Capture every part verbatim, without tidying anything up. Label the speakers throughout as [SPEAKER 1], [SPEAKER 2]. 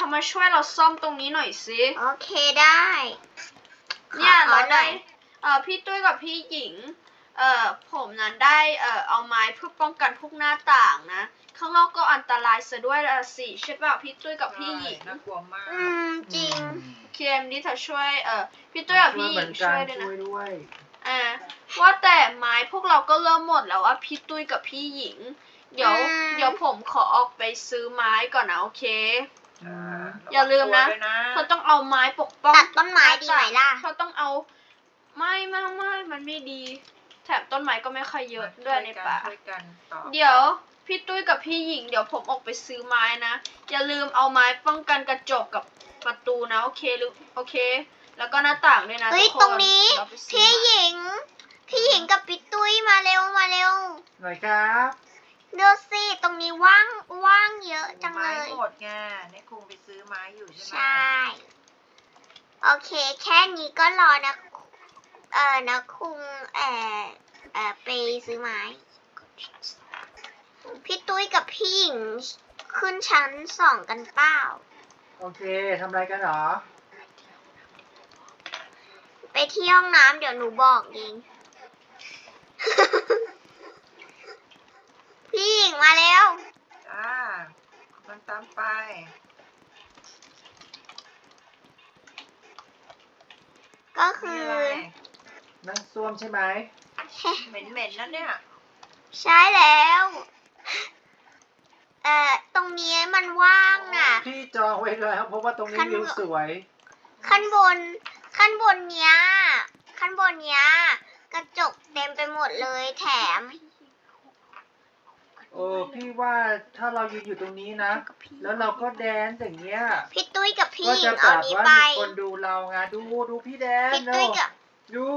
[SPEAKER 1] ามาช่วยเราซ่อมตรงนี้หน่อยสิ
[SPEAKER 2] โอเคได้
[SPEAKER 1] เนี่ยเราได้เอ่อพี่ตุ้ยกับพี่หญิงเอ่อผมนั้นได้เอ่อเอาไม้เพื่อป้องกันพวกหน้าต่างนะข้างนอกก็อันตรายซะด้วยละสิใช่ป่ะพี่ตุ้ยกับพี่หญิง
[SPEAKER 3] น่ากลัวมาก
[SPEAKER 2] อืมจริง
[SPEAKER 1] เคมนี่เธอช่วยเอ่อพี่ตุ้ยกับพี่หญิงช่วยด้วยนะ
[SPEAKER 3] ช่วยด้วย
[SPEAKER 1] อ่าว่าแต่ไม้พวกเราก็เริ่มหมดแล้วว่าพี่ตุ้ยกับพี่หญิงเดี๋ยวเดี๋ยวผมขอออกไปซื้อไม้ก่อนนะโอเคอย่าลืมนะเธอต้องเอาไม้ปกป้อง
[SPEAKER 2] ตัดต้นไม้ดีไหมล่ะ
[SPEAKER 1] เธอต้องเอาไม่ไม่ไม่มันไม่ดีแถมต้นไม้ก็ไม่ค่อยเยอะด้วยในป่าเดี๋ยวพี่ตุ้ยกับพี่หญิงเดี๋ยวผมออกไปซื้อไม้นะอย่าลืมเอาไม้ป้องกันกระจกกับประตูนะโอเคหรือโอเคแล้วก็หน้าต่างด้วยนะทุกคน
[SPEAKER 2] ตรงนี้พี่หญิงพี่หญิงกับพี่ตุ้ยมาเร็วมาเร็ว
[SPEAKER 3] หน่อยครับ
[SPEAKER 2] ดูสิตรงนี้ว่างว่างเยอะจังเลย
[SPEAKER 3] ไม้หมดไงนี่คุงไปซื้อไม้อยู่ใช่ไหม
[SPEAKER 2] ใช่โอเคแค่นี้ก็รอนะเออนะคุงเออเออไปซื้อไม้พี่ตุ้ยกับพี่หญิงขึ้นชั้นสองกันเปล่า
[SPEAKER 3] โอเคทำอะไรกันหรอ
[SPEAKER 2] ไปที่ห้องน้ำเดี๋ยวหนูบอกเองพี่หญิงมาแล้ว
[SPEAKER 3] จ้ามันตามไป
[SPEAKER 2] ก็คือ
[SPEAKER 3] นั่งซ่วมใช่ไหมเหม็นเหม็นนั่นเนี่ย
[SPEAKER 2] ใช่แล้วเอ่อตรงนี้มันว่างน่ะ
[SPEAKER 3] พี่จองไว้เลยครับเพราะว่าตรงนี้วิวสวย
[SPEAKER 2] ขั้นบนขั้นบนเนี้ยขั้นบนเนี้ยกระจกเต็มไปหมดเลยแถม
[SPEAKER 3] โอ้พี่ว่าถ้าเรายืนอยู่ตรงนี้นะแล้วเราก็แดนอย่างเงี้ย
[SPEAKER 2] พี่ตุ้ยกับพี่หญิงเอานี้ไป
[SPEAKER 3] คนดูเราไงดูดูพี่แดน
[SPEAKER 2] พี่ตุ้ยกับ
[SPEAKER 3] ดู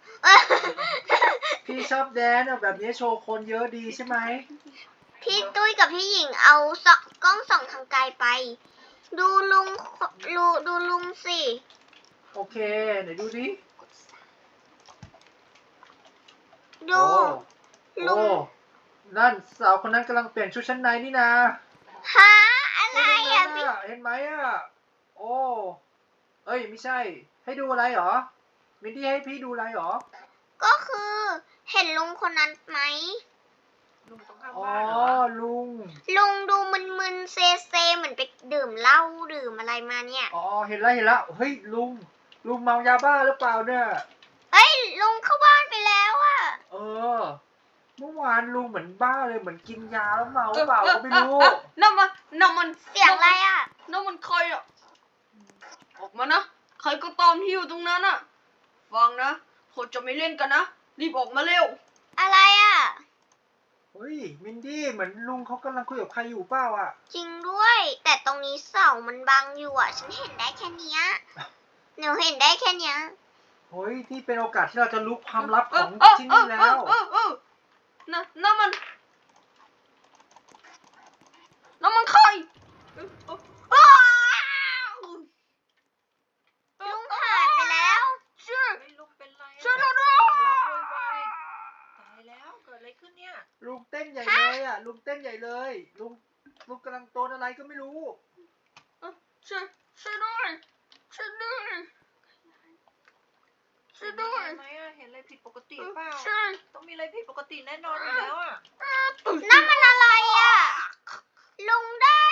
[SPEAKER 3] พี่ชอบแดนแบบนี้โชว์คนเยอะดีใช่ไหม
[SPEAKER 2] พี่ตุ้ยกับพี่หญิงเอากล้องส่องทางไกลไปดูลุงดูดูลุงสิ
[SPEAKER 3] โอเคไหนดูดิ
[SPEAKER 2] ดู
[SPEAKER 3] ลุงนั่นสาวคนนั้นกำลังเปลี่ยนชุดชั้นในนี่นะ
[SPEAKER 2] ฮะอะไรอ่ะพี่
[SPEAKER 3] เห็นไหมอ่ะโอ้เอ้ยไม่ใช่ให้ดูอะไรหรอมินดี้ให้พี่ดูอะไรหรอ
[SPEAKER 2] ก็คือเห็นลุงคนนั้นไหม
[SPEAKER 3] ลุงต้องเข้าบ้านเหรอลุง
[SPEAKER 2] ลุงดูมึนๆเซเซเหมือนไปดื่มเหล้าดื่มอะไรมาเนี่ย
[SPEAKER 3] อ๋อเห็นแล้วเห็นแล้วเฮ้ยลุงลุงเมายาบ้าหรือเปล่าเนี่ย
[SPEAKER 2] เฮ้ยลุงเข้าบ้านไปแล้วอ่ะ
[SPEAKER 3] เออเมื่อวานลุงเหมือนบ้าเลยเหมือนกินยาแล้วเมาเปล่าก็ไม่รู้
[SPEAKER 1] น้ำมันน้ำมัน
[SPEAKER 2] เสียงอะไรอ่ะ
[SPEAKER 1] น้ำมันใครอ่ะออกมานะใครก็ตามที่อยู่ตรงนั้นอ่ะฟังนะผมจะไม่เล่นกันนะรีบออกมาเร็ว
[SPEAKER 2] อะไรอ่ะ
[SPEAKER 3] เฮ้ยมินดี้เหมือนลุงเขากำลังคุยกับใครอยู่เปล่าอ่ะ
[SPEAKER 2] จริงด้วยแต่ตรงนี้เสามันบังอยู่อ่ะฉันเห็นได้แค่นี้หนูเห็นได้แค่นี้
[SPEAKER 3] เฮ้ยที่เป็นโอกาสที่เราจะรู้ความลับของที่นี่แล้ว
[SPEAKER 1] นะน้ำมันน้ำมันใคร
[SPEAKER 2] ลุงหายไปแล้ว
[SPEAKER 1] ช่วย
[SPEAKER 3] ลุงเป็นไร
[SPEAKER 1] ช่วยเราด้วย
[SPEAKER 3] ตายแล้วเกิดอะไรขึ้นเนี่ยลุงเต้นใหญ่เลยอ่ะลุงเต้นใหญ่เลยลุงลุงกำลังโดนอะไรก็ไม่รู้
[SPEAKER 1] ช่วยช่วยด้วยช่วยด้วยช่วยด้วย
[SPEAKER 3] ไหมอ่ะเห็นอะไรผิดปกติเปล่าต้องมีอะไรผิดปกติแน่นอนอยู่แล้วอ่ะ
[SPEAKER 2] นั่นมันอะไรอ่ะลุงได้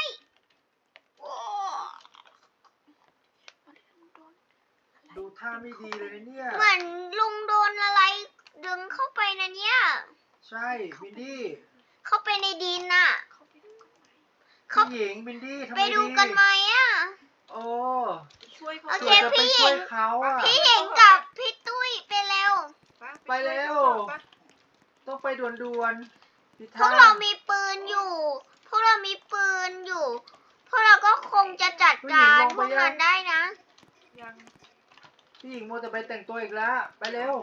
[SPEAKER 3] ดูท่าไม่ดีเลยเนี่ย
[SPEAKER 2] เหมือนลุงโดนอะไรดึงเข้าไปนะเนี่ย
[SPEAKER 3] ใช่บินดี้
[SPEAKER 2] เข้าไปในดินน่ะ
[SPEAKER 3] พี่หญิงบินดี้ทำไมดี
[SPEAKER 2] ไปดูกันไหมอ่ะ
[SPEAKER 3] โอ้
[SPEAKER 2] ช่วยเขาโอเคพี่หญิงพี่หญิงกับพี่ตุ้ยไปเร็ว
[SPEAKER 3] ไปเร็วต้องไปด่วน
[SPEAKER 2] ๆพวกเรามีปืนอยู่พวกเรามีปืนอยู่พวกเราก็คงจะจัดการพวกมันได้นะ
[SPEAKER 3] ยังพี่หญิงโมจะไปแต่งตัวอีกแล้วไปเร็ว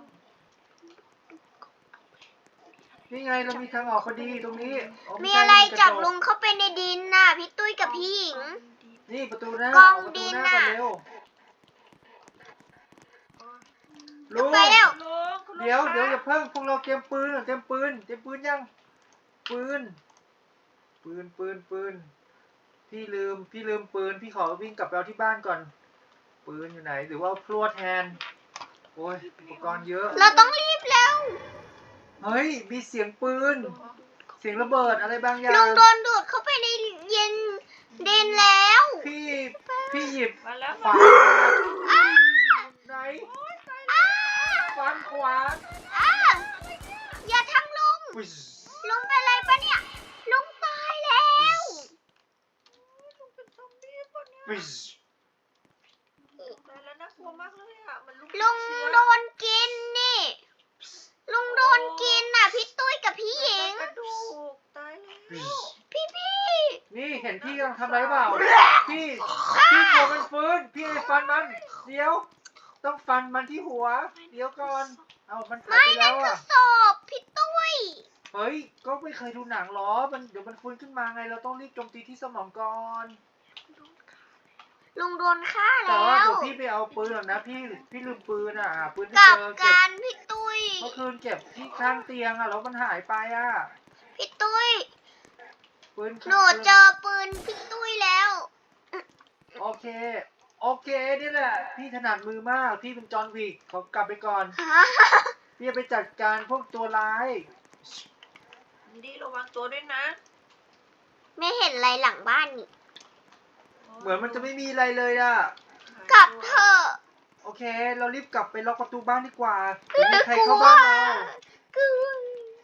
[SPEAKER 3] นี่ไงเรามีทางออกพอดีตรงนี้
[SPEAKER 2] มีอะไรจับลุงเข้าไปในดินน่ะพี่ตุ้ยกับพี่หญิง
[SPEAKER 3] นี่ประตูหน้าก
[SPEAKER 2] องดินน่ะ
[SPEAKER 3] ลุง
[SPEAKER 2] ไปเร็ว
[SPEAKER 3] เดี๋ยวเดี๋ยวอย่าเพิ่งพวกเราเตรียมปืนเตรียมปืนเตรียมปืนยังปืนปืนปืนปืนพี่ลืมพี่ลืมปืนพี่ขอวิ่งกลับไปเอาที่บ้านก่อนปืนอยู่ไหนหรือว่าพลวดแทนโอ้ยอุปกรณ์เยอะ
[SPEAKER 2] เราต้องรีบแล้ว
[SPEAKER 3] เฮ้ยมีเสียงปืนเสียงระเบิดอะไรบางอย่า
[SPEAKER 2] ลุ
[SPEAKER 3] ง
[SPEAKER 2] งโดนดูดเข้าไปในเย็นดินแล้ว
[SPEAKER 3] พี่พี่หยิบ
[SPEAKER 4] มาแล้ว
[SPEAKER 3] ขวาน
[SPEAKER 2] อ้า
[SPEAKER 3] ไหน
[SPEAKER 2] อ้า
[SPEAKER 3] ฟันขวาน
[SPEAKER 2] อ้าอย่าทำลุง
[SPEAKER 3] อุ๊ย
[SPEAKER 2] ลุงเป็นอะไรปะเนี่ย ลุงตายแล้ว
[SPEAKER 4] ลุงเป็นซอมบี้ปะเนี่ย
[SPEAKER 3] อุ๊ย
[SPEAKER 4] ตายแล้วน่ากลัวมากเลยอ่ะมันลุก
[SPEAKER 2] ลุง
[SPEAKER 4] เชื้อ
[SPEAKER 2] โดนกินนี่ ลุงโดนกินน่ะ พี่ตุ้ยกับพี่หญิง
[SPEAKER 4] กระดูกตายแล้ว
[SPEAKER 3] อุ๊ย
[SPEAKER 2] พี่พี่
[SPEAKER 3] นี่เห็นพี่กำลังทำอะไรเปล่าพี่พี่กลัวมันฟื้นพี่เลยฟันมันเดี๋ยว ต้องฟันมันที่หัว เดี๋ยวก่อนเอามันหาย
[SPEAKER 2] ไม่
[SPEAKER 3] ไป
[SPEAKER 2] นั่
[SPEAKER 3] แล้
[SPEAKER 2] น
[SPEAKER 3] ว
[SPEAKER 2] คือ
[SPEAKER 3] อ่ะ
[SPEAKER 2] ศพพี่ตุ้ย
[SPEAKER 3] เฮ้ยก็ไม่เคยดูหนังหรอมันเดี๋ยวมันฟื้นขึ้นมาไงเราต้องรีบโจมตีที่สมองก่อน
[SPEAKER 2] ลุงโดนฆ่า
[SPEAKER 3] แต่
[SPEAKER 2] แล้
[SPEAKER 3] ว่าว เดี๋ยวพี่ไปเอาปืนก่อนนะพี่พี่ลืมปืนอ่ะหาปืนไม่
[SPEAKER 2] กับ
[SPEAKER 3] เจอเก็บ
[SPEAKER 2] การพี่ตุ้ย
[SPEAKER 3] เมื่อคืนเก็บที่ข้างเตียงอ่ะแล้วมันหายไปอ่ะ
[SPEAKER 2] พี่ตุ้ย
[SPEAKER 3] ปืน
[SPEAKER 2] หนูเจอปืนพี่ตุ้ยแล้ว
[SPEAKER 3] โอเค โอเคนี่แหละ พี่ถนัดมือมาก พี่เป็นจอห์นวิกขอกลับไปก่อน พี่จะไปจัดการพวกตัวร้าย
[SPEAKER 4] ดีระวังตัวด้วยนะ
[SPEAKER 2] ไม่เห็นอะไรหลังบ้านนี่
[SPEAKER 3] เหมือนมันจะไม่มีอะไรเลยอ่ะ
[SPEAKER 2] กลับเถอะ
[SPEAKER 3] โอเค เรารีบกลับไปล็อกประตูบ้านดีกว่าเดี๋ยวมีใครเข้าบ้านเรา
[SPEAKER 2] กลัว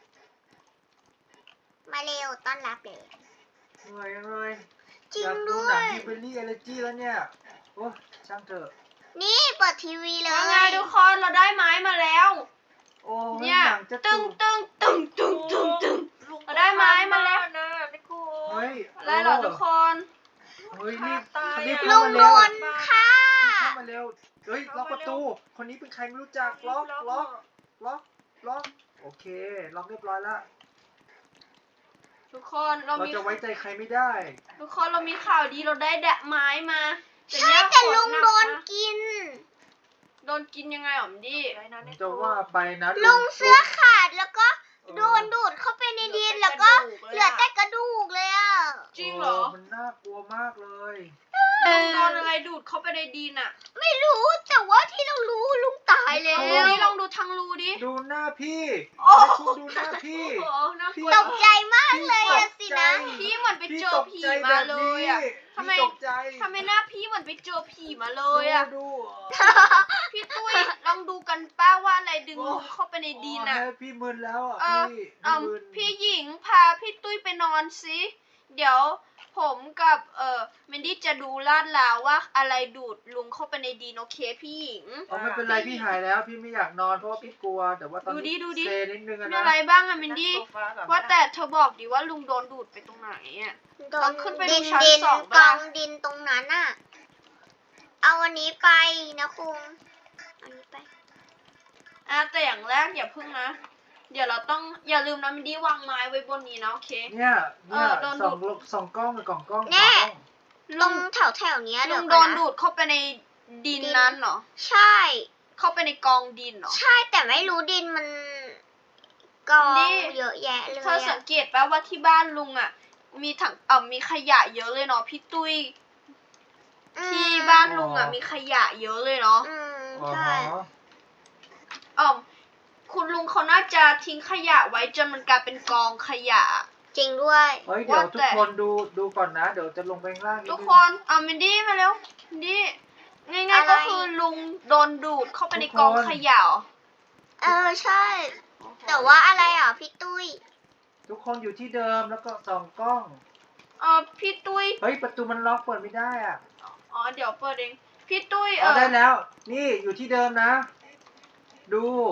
[SPEAKER 2] มาเร็วต้อนรับเลย
[SPEAKER 3] เหนื่อยจังเลย
[SPEAKER 2] จริ
[SPEAKER 3] อง ยากดู
[SPEAKER 2] ด้ว
[SPEAKER 3] หนัง
[SPEAKER 2] ย
[SPEAKER 3] ฮิวเบอรี่เอเลจีแล้วเนี่ย โอ้ช่างเถอะ
[SPEAKER 2] นี่เปิดทีวีเลย
[SPEAKER 1] ว่าไงทุกคนเราได้ไม้มาแล้ว
[SPEAKER 3] โอ้ย
[SPEAKER 1] เนี่ย
[SPEAKER 3] หนังจะ
[SPEAKER 1] ตึ
[SPEAKER 3] ตุ
[SPEAKER 1] ง
[SPEAKER 3] ก
[SPEAKER 1] ตึงตึงตึงตึงตึง
[SPEAKER 4] ลุง
[SPEAKER 1] เราได้ไม้มาแล้ว
[SPEAKER 4] นะนิโค
[SPEAKER 3] เฮ้ย
[SPEAKER 1] อะไรเหรอทุกคน
[SPEAKER 3] เฮ้ยรีบ
[SPEAKER 4] ตาย
[SPEAKER 3] รีบ
[SPEAKER 4] อะ
[SPEAKER 3] เข้า
[SPEAKER 2] ลุง
[SPEAKER 3] มา
[SPEAKER 2] โด
[SPEAKER 3] เร็ว
[SPEAKER 2] นฆ่า
[SPEAKER 3] เข้ามาเร็ว เฮ้ยล็อกประตู คนนี้เป็นใครไม่รู้จัก ล็อก ล็อก ล็อก ล็อก โอเค ล็อกเรียบร้อยแล้ว
[SPEAKER 1] ทุกคนเรา
[SPEAKER 3] เรา
[SPEAKER 1] มี
[SPEAKER 3] จะไว้ใจใครไม่ได้
[SPEAKER 1] ทุกคนเรามีข่าวดีเราได้แดะไม้มา
[SPEAKER 2] ใช่
[SPEAKER 1] เนี่ย
[SPEAKER 2] แต่
[SPEAKER 1] ฝ
[SPEAKER 2] ลุง
[SPEAKER 1] หก
[SPEAKER 2] โดน
[SPEAKER 1] มาก
[SPEAKER 2] กิน
[SPEAKER 1] โดนกินยังไงหรอมดิ
[SPEAKER 4] ไว้นะนิโค
[SPEAKER 3] จะว่าไปนะ
[SPEAKER 2] ลุงเสื้อขาดแล้วก็
[SPEAKER 3] เออ
[SPEAKER 2] โดนดูดเข้าไปในดินแล้วก็เหลือแต่กระดูกเลยอ่ะ
[SPEAKER 1] จริงเหรอ
[SPEAKER 3] มันน่ากลัวมากเลย
[SPEAKER 1] ลุงโดนอะไรดูดเข้าไปในดินอ่ะ
[SPEAKER 2] ไม่รู้แต่ว่าที่เรารู้ลุงตายแล้
[SPEAKER 1] ลองดู
[SPEAKER 2] ว
[SPEAKER 1] ดิลองดูทางรูดิ
[SPEAKER 3] ดูหน้าพี่
[SPEAKER 1] โอ้
[SPEAKER 3] ให้คุณดูหน้าพี่
[SPEAKER 1] โอ้โหน่ากลัว
[SPEAKER 2] ตกใจมากเลยอะสินะ
[SPEAKER 1] พี่เหมือนไป
[SPEAKER 3] พี่
[SPEAKER 1] เจอ
[SPEAKER 3] ตก
[SPEAKER 1] ผี
[SPEAKER 3] ใจ
[SPEAKER 1] มา
[SPEAKER 3] แบบ
[SPEAKER 1] เล
[SPEAKER 3] นี้
[SPEAKER 1] ยอ่ะ ทำไม
[SPEAKER 3] พี่ตกใจ
[SPEAKER 1] ทำไมหน้าพี่เหมือนไปเจอผีมาเลยอ่ะ
[SPEAKER 3] ดู
[SPEAKER 1] พี่ตุ้ยลองดูกันป้าว่าอะไรดึง
[SPEAKER 3] โอ้
[SPEAKER 1] ลุงเข้าไปในดิน
[SPEAKER 3] อ่ะ
[SPEAKER 1] อ่ะ
[SPEAKER 3] พี่มึนแล้วอ่ะ
[SPEAKER 1] เออ
[SPEAKER 3] พี่
[SPEAKER 1] เอ่อ
[SPEAKER 3] มึน
[SPEAKER 1] พี่หญิงพาพี่ตุ้ยไปนอนสิเดี๋ยวผมกับเอ่อมินดี้จะดูลาดลาวว่าอะไรดูดลุงเข้าไปในดินโอเคพี่หญิง
[SPEAKER 3] เออไม่เป็นไรพี่หายแล้ว พี่ไม่อยากนอนเพราะว่าพี่กลัว แต่ว่าตอน
[SPEAKER 1] ดูดิ
[SPEAKER 3] นี้
[SPEAKER 1] ดูดิ
[SPEAKER 3] เซนิดนึงอะ
[SPEAKER 1] มี
[SPEAKER 3] นะ
[SPEAKER 1] อะไรบ้างอะมินดี้
[SPEAKER 4] นั่งโซฟก่อน
[SPEAKER 1] ว่าแต่เธอบอกดิว่าลุงโดนดูดไปตรงไหนอ่ะ
[SPEAKER 2] โด
[SPEAKER 1] เรา
[SPEAKER 2] น
[SPEAKER 1] ขึ้นไปดู
[SPEAKER 2] ดิน
[SPEAKER 1] ชั้น
[SPEAKER 2] ดิน
[SPEAKER 1] สอง
[SPEAKER 2] ก
[SPEAKER 1] บ้า
[SPEAKER 2] อง งดินตรงนั้นน่ะ เอาอันนี้ไปนะคุงอันนี้ไป
[SPEAKER 1] อ่ะแต่อย่างแรกอย่าพึ่งนะ เดี๋ยวเราต้องอย่าลืมนะมินดี้วางไม้ไว้บนนี้นะโอเค
[SPEAKER 3] เนี่ยเนี่ย
[SPEAKER 1] เออโดน
[SPEAKER 3] สอง
[SPEAKER 1] ดูด
[SPEAKER 3] สองกล้องกับกล่องกล้อง
[SPEAKER 2] แน่
[SPEAKER 3] สองกล้อง
[SPEAKER 2] ตรงแถวแถวๆเนี้ย
[SPEAKER 1] ลุ
[SPEAKER 2] เดี๋ย
[SPEAKER 1] ง
[SPEAKER 2] ว
[SPEAKER 1] โด
[SPEAKER 2] ก่อน
[SPEAKER 1] น
[SPEAKER 2] นะ
[SPEAKER 1] ดูดเข้าไปในดินนั้นเหรอ
[SPEAKER 2] ใช่
[SPEAKER 1] เข้าไปในกองดินเหรอ
[SPEAKER 2] ใช่แต่ไม่รู้ดินมันกอง
[SPEAKER 1] นี่
[SPEAKER 2] เยอะแยะเลย
[SPEAKER 1] เธอสั
[SPEAKER 2] อะ
[SPEAKER 1] งเกตป่ะว่าที่บ้านลุงอ่ะ มีถังเอ่อมีขยะเยอะเลยเนาะพี่ตุ้ย
[SPEAKER 2] อืม
[SPEAKER 1] ที่บ้านลุงอ่ะมีขยะเยอะเลยเนาะ
[SPEAKER 2] อืม
[SPEAKER 3] อ๋อ
[SPEAKER 2] ใช่
[SPEAKER 1] อ๋อคุณลุงเขาน่าจะทิ้งขยะไว้จนมันกลายเป็นกองขยะ
[SPEAKER 2] จริงด้วย
[SPEAKER 3] เฮ้ยเดี๋ยว
[SPEAKER 1] ว่า
[SPEAKER 3] ทุ
[SPEAKER 1] แต่
[SPEAKER 3] กคนดูดูก่อนนะ เดี๋ยวจะลงไปข้างล่างนิด
[SPEAKER 1] ทุก
[SPEAKER 3] นึง
[SPEAKER 1] คนเอามินดี้มาแล้วมินดี้ง่ายๆก็คือลุงโดนดูดเข้าไปในกองขยะเหรอ
[SPEAKER 2] เออใช่ แต่ว่าอะไรอ่ะพี่ตุ้ย
[SPEAKER 3] ทุกคนอยู่ที่เดิมแล้วก็ส่องกล้อง
[SPEAKER 1] เออพี่ตุ้ย
[SPEAKER 3] เฮ้ยประตูมันล็อกเปิดไม่ได้อ่ะ
[SPEAKER 1] อ๋อเดี๋ยวเปิดเองพี่ตุ้ยเอ
[SPEAKER 3] เอา
[SPEAKER 1] อ
[SPEAKER 3] ได้แล้ว นี่อยู่ที่เดิมนะ ดู